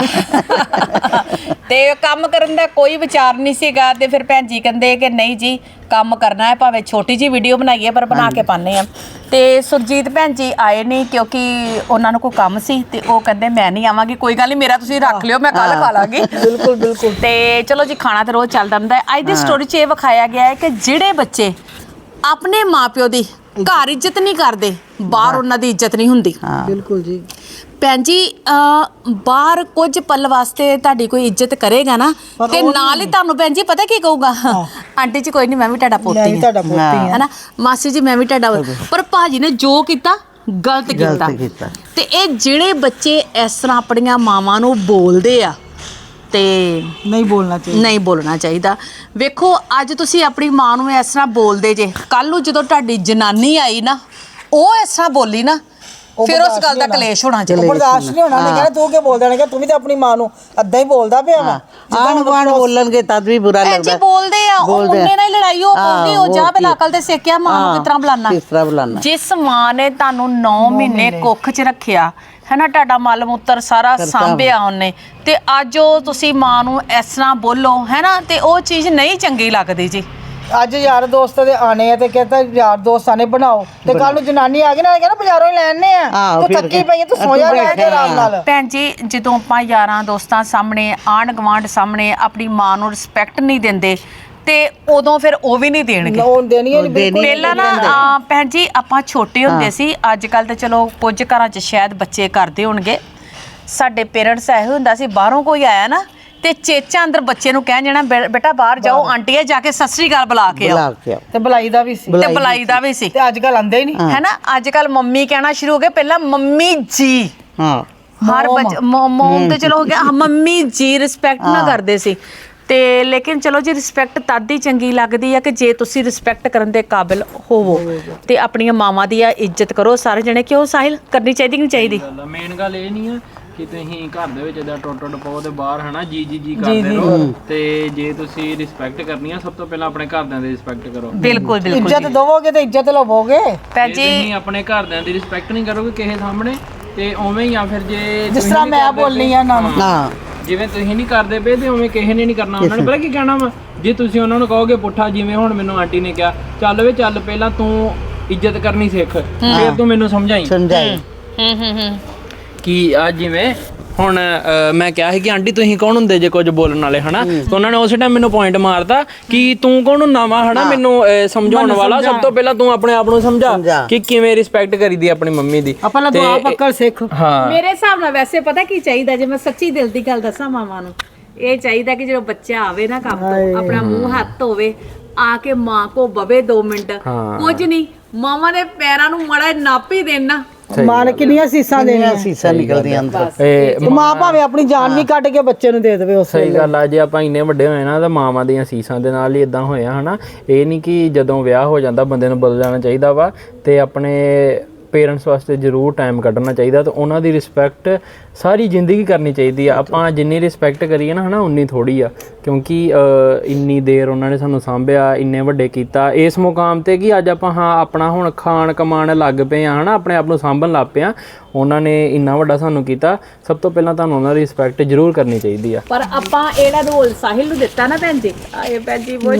S3: ਤੇ ਕੰਮ ਕਰਨ ਦਾ ਕੋਈ ਵਿਚਾਰ ਨਹੀਂ ਸੀਗਾ ਤੇ ਫਿਰ ਭੈਣ ਜੀ ਕਹਿੰਦੇ ਕਿ ਨਹੀਂ ਜੀ ਕੰਮ ਕਰਨਾ ਹੈ, ਭਾਵੇਂ ਛੋਟੀ ਜੀ ਵੀਡੀਓ ਬਣਾਈਏ ਪਰ ਬਣਾ ਕੇ ਪਾਣੇ ਆ। ਤੇ ਸੁਰਜੀਤ ਭੈਣ ਜੀ ਆਏ ਨਹੀਂ ਕਿਉਂਕਿ ਉਹਨਾਂ ਨੂੰ ਕੋਈ ਕੰਮ ਸੀ ਤੇ ਉਹ ਕਹਿੰਦੇ ਮੈਂ ਨਹੀਂ ਆਵਾਂਗੀ। ਕੋਈ ਗੱਲ ਨਹੀਂ, ਮੇਰਾ ਤੁਸੀਂ ਰੱਖ ਲਿਓ, ਮੈਂ ਕੱਲ ਖਾ ਲਾਂਗੀ।
S4: ਬਿਲਕੁਲ ਬਿਲਕੁਲ।
S3: ਤੇ ਚਲੋ ਜੀ, ਖਾਣਾ ਤਾਂ ਰੋਜ਼ ਚੱਲਦਾ ਹੁੰਦਾ ਹੈ। ਅੱਜ ਦੀ ਸਟੋਰੀ 'ਚ ਇਹ ਵਿਖਾਇਆ ਗਿਆ ਹੈ ਕਿ ਜਿਹੜੇ ਬੱਚੇ ਆਪਣੇ ਮਾਪਿਓ ਦੀ ਘਰ ਇੱਜ਼ਤ ਨਹੀਂ ਕਰਦੇ, ਬਾਹਰ ਉਹਨਾਂ ਦੀ ਇੱਜ਼ਤ ਨਹੀਂ ਹੁੰਦੀ।
S4: ਬਿਲਕੁਲ ਜੀ।
S3: ਭੈਣ ਜੀ ਅਹ ਬਾਹਰ ਕੁਝ ਪਲ ਵਾਸਤੇ ਤੁਹਾਡੀ ਕੋਈ ਇੱਜ਼ਤ ਕਰੇਗਾ ਨਾ ਤੇ ਨਾਲ ਹੀ ਤੁਹਾਨੂੰ ਭੈਣ ਜੀ ਪਤਾ ਕੀ ਕਹੂਗਾ, ਆਂਟੀ ਜੀ ਕੋਈ ਨਹੀਂ ਮੈਂ ਵੀ ਤੁਹਾਡਾ
S4: ਮੈਂ
S3: ਪੋਤੀ
S4: ਵੀ
S3: ਹਾਂ,
S4: ਤੁਹਾਡਾ ਪੋਤੀ ਹਾਂ।
S3: ਹੈ ਨਾ ਮਾਸੀ ਜੀ ਮੈਂ ਵੀ ਤੁਹਾਡਾ। ਪਰ ਭਾਜੀ ਨੇ ਜੋ ਕੀਤਾ ਗਲਤ ਕੀਤਾ।
S1: ਗਲਤ ਕੀਤਾ।
S3: ਤੇ ਇਹ ਜਿਹੜੇ ਬੱਚੇ ਇਸ ਤਰ੍ਹਾਂ ਆਪਣੀਆਂ ਮਾਵਾਂ ਨੂੰ ਬੋਲਦੇ ਆ ਤੇ
S4: ਨਹੀਂ ਬੋਲਣਾ ਚਾਹੀਦਾ।
S3: ਨਹੀਂ ਬੋਲਣਾ ਚਾਹੀਦਾ। ਵੇਖੋ ਅੱਜ ਤੁਸੀਂ ਆਪਣੀ ਮਾਂ ਨੂੰ ਇਸ ਤਰ੍ਹਾਂ ਬੋਲਦੇ ਜੇ, ਕੱਲ ਨੂੰ ਜਦੋਂ ਤੁਹਾਡੀ ਜਨਾਨੀ ਆਈ ਨਾ ਉਹ ਇਸ ਤਰ੍ਹਾਂ ਬੋਲੀ ਨਾ
S4: ਉਹ
S3: ਫਿਰ ਉਸ
S4: ਬਰਦਾਸ਼ਤ
S3: ਗੱਲ ਦਾ
S4: ਨਹੀਂ ਹੋਣਾ।
S3: ਕਲੇਸ਼ ਹੋਣਾ
S4: ਉਹ
S3: ਚਾਹੀਦਾ।
S4: ਬਰਦਾਸ਼ਤ ਨਹੀਂ ਹੋਣਾ। ਉਹਨੇ ਕਹਿਣਾ ਤੂੰ ਕੀ ਬੋਲਦਾ ਨੇ ਕਿ ਤੂੰ ਵੀ ਤਾਂ ਆਪਣੀ ਮਾਂ ਨੂੰ ਅੱਧਾ ਹੀ ਬੋਲਦਾ ਪਿਆ ਵਾ।
S1: ਆਣ ਗੁਆਂਢ ਬੋਲਣਗੇ ਤਦ ਵੀ ਬੁਰਾ
S3: ਭੈਣ
S1: ਲੱਗਦਾ।
S3: ਜੀ ਬੋਲਦੇ ਆ, ਉਹ
S1: ਬੋਲਦੇ ਆ।
S3: ਮੁੰਡੇ ਨਾਲ ਹੀ ਲੜਾਈ ਹੋ ਪਊਗੀ। ਉਹ
S1: ਹਾਂ,
S3: ਜਾ
S1: ਹੋਰ
S3: ਪਹਿਲਾਂ
S1: ਕੀ।
S3: ਅਕਲ ਤੇ ਸਿੱਖਿਆ ਮਾਂ ਨੂੰ
S1: ਹਾਂ,
S3: ਕਿਸ ਤਰ੍ਹਾਂ ਬੁਲਾਣਾ।
S1: ਕਿਸ ਤਰ੍ਹਾਂ ਬੁਲਾਣਾ।
S3: ਜਿਸ ਮਾਂ ਨੇ ਤੁਹਾਨੂੰ ਨੌ ਮਹੀਨੇ ਕੁੱਖ 'ਚ ਰੱਖਿਆ ਹੈ ਨਾ, ਤੁਹਾਡਾ ਮਲ ਮੂਤਰ ਸਾਰਾ ਸਾਂਭਿਆ ਉਹਨੇ, ਤੇ ਅੱਜ ਉਹ ਤੁਸੀਂ ਮਾਂ ਨੂੰ ਇਸ ਤਰ੍ਹਾਂ ਬੋਲੋ ਹੈ ਨਾ, ਤੇ ਉਹ ਚੀਜ਼ ਨਹੀਂ ਚੰਗੀ ਲੱਗਦੀ ਜੀ।
S4: ਅੱਜ ਯਾਰ ਦੋਸਤ ਦੇ ਆਣੇ ਆ ਤੇ ਕਹਿੰਦਾ ਯਾਰ ਦੋਸਤਾਂ ਨੇ ਬਣਾਓ, ਤੇ ਕੱਲ ਨੂੰ ਜਨਾਨੀ ਆ ਗਈ ਨਾ ਕਹਿੰਦਾ ਬਾਜ਼ਾਰੋਂ ਹੀ ਲੈਣੇ ਆ।
S1: ਆਹੋ,
S4: ਤੂੰ
S1: ਫਿਰ
S4: ਥੱਕੀ ਪਈ ਆ, ਤੂੰ ਸੌ ਜਾ ਲੈ ਕੇ ਆਰਾਮ ਨਾਲ।
S3: ਭੈਣ ਜੀ ਜਦੋਂ ਆਪਾਂ ਯਾਰਾਂ ਦੋਸਤਾਂ ਸਾਹਮਣੇ, ਆਂਢ ਗੁਆਂਢ ਸਾਹਮਣੇ ਆਪਣੀ ਮਾਂ ਨੂੰ ਰਿਸਪੈਕਟ ਨਹੀਂ ਦਿੰਦੇ ਤੇ ਉਦੋਂ ਫਿਰ ਉਹ ਵੀ ਨਹੀਂ ਦੇਣਗੇ।
S4: ਉਹ ਦੇਣੀ ਨਹੀਂ ਬਿਲਕੁਲ।
S3: ਪਹਿਲਾਂ ਨਾ ਅਹ, ਭੈਣ ਜੀ ਆਪਾਂ ਛੋਟੇ ਹੁੰਦੇ ਸੀ, ਅੱਜ ਕੱਲ ਤੇ ਚਲੋ ਕੁਝ ਘਰਾਂ 'ਚ ਸ਼ਾਇਦ ਬੱਚੇ ਕਰਦੇ ਹੋਣਗੇ। ਸਾਡੇ ਪੇਰੈਂਟਸ ਇਹੋ ਹੁੰਦਾ ਸੀ, ਬਾਹਰੋਂ ਕੋਈ ਆਇਆ ਨਾ ਤੇ ਚੇਚਾ ਅੰਦਰ ਬੱਚੇ ਨੂੰ ਕਹਿ ਜਾਣਾ ਬੇ- ਬੇਟਾ ਬਾਹਰ ਜਾਓ, ਆਂਟੀ ਜਾ ਕੇ ਸਤਿ ਸ੍ਰੀ ਅਕਾਲ ਬੁਲਾ ਕੇ ਆਓ।
S1: ਬੁਲਾ ਕੇ ਆਓ।
S4: ਤੇ ਬੁਲਾਈ ਦਾ ਵੀ ਸੀ
S3: ਤੇ ਬੁਲਾਈ ਦਾ ਵੀ ਸੀ।
S4: ਤੇ ਅੱਜ ਕੱਲ ਆਂਦੇ ਹੀ ਨਹੀਂ।
S3: ਹੈ ਨਾ, ਅੱਜ ਕੱਲ ਮੰਮੀ ਕਹਿਣਾ ਸ਼ੁਰੂ ਹੋ ਗਏ, ਪਹਿਲਾਂ ਮੰਮੀ ਜੀ।
S1: ਹਾਂ
S3: ਹਰ ਬੱਚ ਮੋਮ ਤੇ ਚਲੋ ਹੋ ਗਿਆ, ਮੰਮੀ ਜੀ ਰਿਸਪੈਕਟ ਨਾ ਕਰਦੇ ਸੀ। ਤੇ ਲੇਕਿਨ ਚਲੋ ਜੀ ਰਿਸਪੈਕਟ ਤਦ ਹੀ ਚੰਗੀ ਲੱਗਦੀ ਹੈ ਕਿ ਜੇ ਤੁਸੀਂ ਰਿਸਪੈਕਟ ਕਰਨ ਦੇ ਕਾਬਿਲ ਹੋਵੋ ਤੇ ਆਪਣੀਆਂ ਮਾਵਾਂ ਦੀ ਇੱਜ਼ਤ ਕਰੋ ਸਾਰੇ ਜਣੇ। ਕਿਉਂ ਸਾਹਿਲ, ਕਰਨੀ ਚਾਹੀਦੀ ਕਿ ਨਹੀਂ ਚਾਹੀਦੀ?
S2: ਮੇਨ ਗੱਲ ਇਹ ਨਹੀਂ ਆ ਕਿ ਤੁਸੀਂ ਘਰ ਦੇ ਵਿੱਚ ਇਦਾਂ ਟੁੱਟ ਟੁੱਟ ਪਾਓ ਤੇ ਬਾਹਰ ਹਨਾ ਜੀ ਜੀ ਜੀ ਕਰਦੇ ਰਹੋ। ਤੇ ਜੇ ਤੁਸੀਂ ਰਿਸਪੈਕਟ ਕਰਨੀ ਆ, ਸਭ ਤੋਂ ਪਹਿਲਾਂ ਆਪਣੇ ਘਰਦਿਆਂ ਦੀ ਰਿਸਪੈਕਟ ਕਰੋ।
S3: ਬਿਲਕੁਲ ਬਿਲਕੁਲ
S4: ਇੱਜ਼ਤ ਦਵੋਗੇ ਤੇ ਇੱਜ਼ਤ ਲਵੋਗੇ।
S3: ਭੈਣ
S2: ਜੇ
S3: ਜੀ
S2: ਤੁਸੀਂ ਆਪਣੇ ਘਰਦਿਆਂ ਦੀ ਰਿਸਪੈਕਟ ਨਹੀਂ ਕਰੋਗੇ ਕਿਸੇ ਸਾਹਮਣੇ ਤੇ ਉਵੇਂ ਹੀ ਆ ਫਿਰ ਜੇ
S4: ਜਿਸ ਤਰ੍ਹਾਂ ਮੈਂ ਬੋਲਨੀ ਆ ਇਹਨਾਂ ਨੂੰ,
S1: ਹਾਂ
S2: ਜਿਵੇਂ ਤੁਸੀਂ ਨਹੀਂ ਕਰਦੇ ਪਏ ਤੇ ਉਵੇਂ ਕਿਸੇ ਨੇ ਨਹੀਂ ਕਰਨਾ। ਉਹਨਾਂ ਨੇ ਪਤਾ ਕੀ ਕਹਿਣਾ ਵਾ, ਜੇ ਤੁਸੀਂ ਉਹਨਾਂ ਨੂੰ ਕਹੋਗੇ ਪੁੱਠਾ, ਜਿਵੇਂ ਹੁਣ ਮੈਨੂੰ ਆਂਟੀ ਨੇ ਕਿਹਾ ਚੱਲ ਵੇ ਚੱਲ ਪਹਿਲਾਂ ਤੂੰ ਇੱਜ਼ਤ ਕਰਨੀ ਸਿੱਖ, ਫਿਰ ਤੂੰ ਮੈਨੂੰ ਸਮਝਾਈ
S1: ਸਮਝਾਈ।
S3: ਹੂੰ ਹੂੰ ਹੂੰ
S2: ਕਿ ਆ ਜਿਵੇਂ ਹੁਣ ਅ, ਮੈਂ ਕਿਹਾ ਸੀ ਕਿ ਆਂਟੀ ਤੁਸੀਂ ਕੌਣ ਹੁੰਦੇ ਜੇ ਕੁਝ ਬੋਲਣ ਵਾਲੇ ਹਨਾ, ਤੇ ਉਹਨਾਂ ਨੇ ਉਸੇ ਟਾਈਮ ਮੈਨੂੰ ਪੁਆਇੰਟ ਮਾਰਤਾ ਕਿ ਤੂੰ ਕੌਣ ਹੁੰਦਾ ਵਾ ਹਨਾ ਮੈਨੂੰ ਅ, ਸਮਝਾਉਣ ਵਾਲਾ। ਸਭ ਤੋਂ ਪਹਿਲਾਂ ਤੂੰ ਆਪਣੇ ਆਪ ਨੂੰ ਸਮਝਾ ਕਿ ਕਿਵੇਂ ਰਿਸਪੈਕਟ ਕਰੀਦੀ ਆਪਣੀ ਮੰਮੀ ਦੀ।
S4: ਆਪਾਂ
S2: ਤੇ-
S4: ਦੁਆ ਪੱਕਰ ਸਿੱਖ।
S2: ਹਾਂ
S5: ਮੇਰੇ ਹਿਸਾਬ ਨਾਲ ਵੈਸੇ ਪਤਾ ਕੀ ਚਾਹੀਦਾ, ਜੇ ਮੈਂ ਸੱਚੀ ਦਿਲ ਦੀ ਗੱਲ ਦੱਸਾਂ ਮਾਵਾਂ ਨੂੰ, ਇਹ ਚਾਹੀਦਾ ਕਿ ਜਦੋਂ ਬੱਚਾ ਆਵੇ ਨਾ ਕੰਮ ਤੋਂ, ਆਪਣਾ ਮੂੰਹ ਹੱਥ ਧੋਵੇ, ਆ ਕੇ ਮਾਂ ਕੋ ਬਵੇ ਦੋ ਮਿੰਟ, ਕੁਝ ਨਹੀਂ ਮਾਵਾਂ ਦੇ ਪੈਰਾਂ ਨੂੰ ਮੜਾ ਨੱਪ ਹੀ ਦੇਣਾ।
S4: ਮਾਂ ਨੇ ਕਿੰਨੀਆਂ ਸੀਸਾਂ ਦੇਣੀਆਂ।
S1: ਸੀਸਾ ਨਿਕਲਦੀਆਂ ਅੰਦਰ।
S2: ਇਹ
S4: ਤੇ ਮਾਂ ਭਾਵੇਂ ਆਪਣੀ ਜਾਨ ਵੀ ਕੱਢ ਕੇ ਬੱਚੇ ਨੂੰ ਦੇ ਦੇਵੇ ਉਸ
S2: ਸਹੀ ਗੱਲ ਆ। ਜੇ ਆਪਾਂ ਇੰਨੇ ਵੱਡੇ ਹੋਏ ਨਾ ਤਾਂ ਮਾਵਾਂ ਦੀਆਂ ਸੀਸਾਂ ਦੇ ਨਾਲ ਹੀ ਇਦਾਂ ਹੋਇਆ ਹਨਾ। ਇਹ ਨਹੀਂ ਕਿ ਜਦੋਂ ਵਿਆਹ ਹੋ ਜਾਂਦਾ ਬੰਦੇ ਨੂੰ ਬਦਲ ਜਾਣਾ ਚਾਹੀਦਾ ਵਾ, ਤੇ ਆਪਣੇ ਪੇਰੈਂਟਸ ਵਾਸਤੇ ਜ਼ਰੂਰ ਟਾਈਮ ਕੱਢਣਾ ਚਾਹੀਦਾ ਤੇ ਉਹਨਾਂ ਦੀ ਰਿਸਪੈਕਟ ਸਾਰੀ ਜ਼ਿੰਦਗੀ ਕਰਨੀ ਚਾਹੀਦੀ ਆ। ਆਪਾਂ ਜਿੰਨੀ ਰਿਸਪੈਕਟ ਕਰੀਏ ਨਾ ਹਨਾ ਉਨੀ ਥੋੜੀ ਆ, ਕਿਉਂਕਿ ਇੰਨੀ ਦੇਰ ਉਹਨਾਂ ਨੇ ਸਾਨੂੰ ਸਾਂਭਿਆ, ਇੰਨੇ ਵੱਡੇ ਕੀਤਾ ਇਸ ਮੁਕਾਮ ਤੇ ਕਿ ਅੱਜ ਆਪਾਂ ਹਾਂ ਆਪਣਾ ਹੁਣ ਖਾਣ ਕਮਾਣ ਲੱਗ ਪਏ ਆ ਹਨਾ, ਆਪਣੇ ਆਪ ਨੂੰ ਸਾਂਭਣ ਲੱਗ ਪਏ ਆ। ਉਹਨਾਂ ਨੇ ਇੰਨਾ ਵੱਡਾ ਸਾਨੂੰ ਕੀਤਾ, ਸਭ ਤੋਂ ਪਹਿਲਾਂ ਤੁਹਾਨੂੰ ਉਹਨਾਂ ਦੀ ਰਿਸਪੈਕਟ ਜ਼ਰੂਰ ਕਰਨੀ ਚਾਹੀਦੀ ਆ।
S5: ਪਰ ਆਪਾਂ ਇਹਦਾ ਰੋਲ ਸਾਹਿਲ ਨੂੰ ਦਿੱਤਾ ਨਾ ਭੈਣ ਜੀ। ਆਏ ਭੈਣ ਜੀ ਬਹੁਤ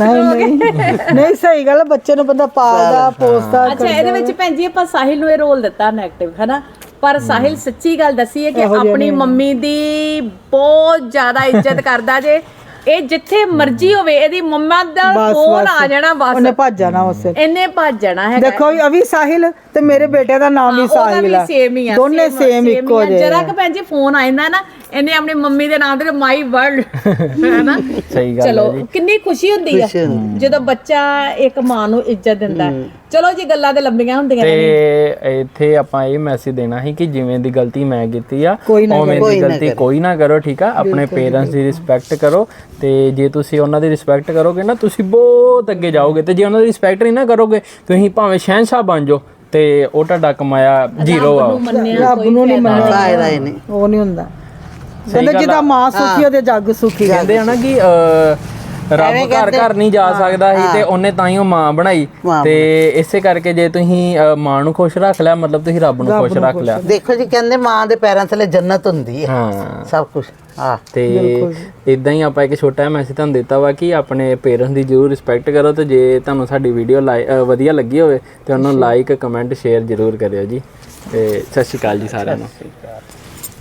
S4: ਨਹੀਂ ਸਹੀ ਗੱਲ, ਬੱਚੇ ਨੂੰ ਬੰਦਾ ਪਾਲਦਾ ਪੋਸਦਾ।
S5: ਅੱਛਾ, ਇਹਦੇ ਵਿੱਚ ਭੈਣ ਜੀ ਆਪਾਂ ਸਾਹਿਲ ਨੂੰ ਇਹ ਰੋਲ ਦਿੱਤਾ ਨੈਗੇਟਿਵ ਹੈ ਨਾ, ਪਰ ਸਾਹਿਲ ਸੱਚੀ ਗੱਲ ਦੱਸੀ ਹੈ ਕਿ ਆਪਣੀ ਮੰਮੀ ਦੀ ਬਹੁਤ ਜ਼ਿਆਦਾ ਇੱਜ਼ਤ ਕਰਦਾ ਜੇ। ਇਹ ਜਿੱਥੇ ਮਰਜ਼ੀ ਹੋਵੇ ਇਹਦੀ ਮੰਮਾ ਦਾ ਫੋਨ ਆ ਜਾਣਾ ਬਸ
S4: ਉਹਨੇ ਭੱਜ ਜਾਣਾ ਉਸੇ
S5: ਇਹਨੇ ਭੱਜ ਜਾਣਾ ਹੈਗਾ।
S4: ਦੇਖੋ ਅਭੀ ਸਾਹਿਲ ਤੇ ਮੇਰੇ ਬੇਟੇ ਦਾ ਨਾਮ ਵੀ ਸਾਹਿਲ ਆ,
S5: ਸੇਮ ਹੀ ਆ,
S4: ਦੋਨੇ ਸੇਮ ਇੱਕੋ ਜਿਹੇ।
S5: ਜਰਾ ਕਿ ਭੈਣ ਜੀ ਫੋਨ ਆ ਜਾਂਦਾ ਨਾ ਇਹਨੇ ਆਪਣੀ ਮੰਮੀ ਦੇ ਨਾਮ ਤੇ ਮਾਈ ਵਰਲਡ ਹੈ ਨਾ।
S2: ਸਹੀ ਗੱਲ
S5: ਚਲੋ ਕਿੰਨੀ ਖੁਸ਼ੀ ਹੁੰਦੀ ਆ ਜਦੋਂ ਬੱਚਾ ਇੱਕ ਮਾਂ ਨੂੰ ਇੱਜ਼ਤ ਦਿੰਦਾ ਹੈ। ਚਲੋ ਜੀ ਗੱਲਾਂ ਤੇ ਲੰਬੀਆਂ ਹੁੰਦੀਆਂ ਨੇ
S2: ਤੇ ਇੱਥੇ ਆਪਾਂ ਇਹ ਮੈਸੇਜ ਦੇਣਾ ਸੀ ਕਿ ਜਿਵੇਂ ਦੀ ਗਲਤੀ ਮੈਂ ਕੀਤੀ ਆ
S4: ਕੋਈ ਨਾ
S2: ਉਵੇਂ ਦੀ ਗਲਤੀ ਕੋਈ ਨਾ ਕਰੋ, ਠੀਕ ਆ। ਆਪਣੇ ਪੇਰੈਂਟਸ ਦੀ ਰਿਸਪੈਕਟ ਕਰੋ, ਤੇ ਜੇ ਤੁਸੀਂ ਉਹਨਾਂ ਦੀ ਰਿਸਪੈਕਟ ਕਰੋਗੇ ਨਾ ਤੁਸੀਂ ਬਹੁਤ ਅੱਗੇ ਜਾਓਗੇ, ਤੇ ਜੇ ਉਹਨਾਂ ਦੀ ਰਿਸਪੈਕਟ ਨਹੀਂ ਨਾ ਕਰੋਗੇ ਤੁਸੀਂ ਭਾਵੇਂ ਸ਼ਹਿਨशाह ਬਣ ਜਾਓ ਤੇ ਉਹ ਤੁਹਾਡਾ ਕਮਾਇਆ ਜ਼ੀਰੋ ਆ।
S4: ਰੱਬ ਨੂੰ ਨਹੀਂ ਮੰਨਣਾ,
S1: ਫਾਇਦਾ ਹੀ ਨਹੀਂ।
S4: ਉਹ ਨਹੀਂ ਹੁੰਦਾ। ਕਹਿੰਦੇ ਜਿਹਦਾ ਮਾਂ ਸੁਖੀ ਉਹਦੇ ਜੱਗ ਸੁਖੀ।
S2: ਕਹਿੰਦੇ ਆ ਨਾ ਕਿ ਰੱਬ ਘਰ ਘਰ ਨਹੀਂ ਜਾ ਸਕਦਾ ਸੀ ਤੇ ਉਹਨੇ ਤਾਂ ਹੀ ਉਹ ਮਾਂ ਬਣਾਈ, ਤੇ ਇਸੇ ਕਰਕੇ ਜੇ ਤੁਸੀਂ ਅਹ, ਮਾਂ ਨੂੰ ਖੁਸ਼ ਰੱਖ ਲਿਆ ਮਤਲਬ ਤੁਸੀਂ ਰੱਬ ਨੂੰ ਖੁਸ਼ ਰੱਖ ਲਿਆ।
S1: ਦੇਖੋ ਜੀ ਕਹਿੰਦੇ ਮਾਂ ਦੇ ਪੈਰਾਂ ਥੱਲੇ ਜੰਨਤ ਹੁੰਦੀ ਹੈ,
S2: ਹਾਂ
S1: ਸਭ ਕੁਝ। ਹਾਂ
S2: ਤੇ ਇਦਾਂ ਹੀ ਆਪਾਂ ਇੱਕ ਛੋਟਾ ਜਿਹਾ ਮੈਸੇਜ ਤੁਹਾਨੂੰ ਦਿੱਤਾ ਵਾ ਕਿ ਆਪਣੇ ਪੇਰੈਂਟਸ ਦੀ ਜ਼ਰੂਰ ਰਿਸਪੈਕਟ ਕਰੋ, ਤੇ ਜੇ ਤੁਹਾਨੂੰ ਸਾਡੀ ਵੀਡੀਓ ਵਧੀਆ ਲੱਗੀ ਹੋਵੇ ਤੇ ਉਹਨੂੰ ਲਾਈਕ ਕਮੈਂਟ ਸ਼ੇਅਰ ਜ਼ਰੂਰ ਕਰਿਓ ਜੀ। ਤੇ ਸਤਿ ਸ਼੍ਰੀ ਅਕਾਲ ਜੀ ਸਾਰਿਆਂ ਨੂੰ।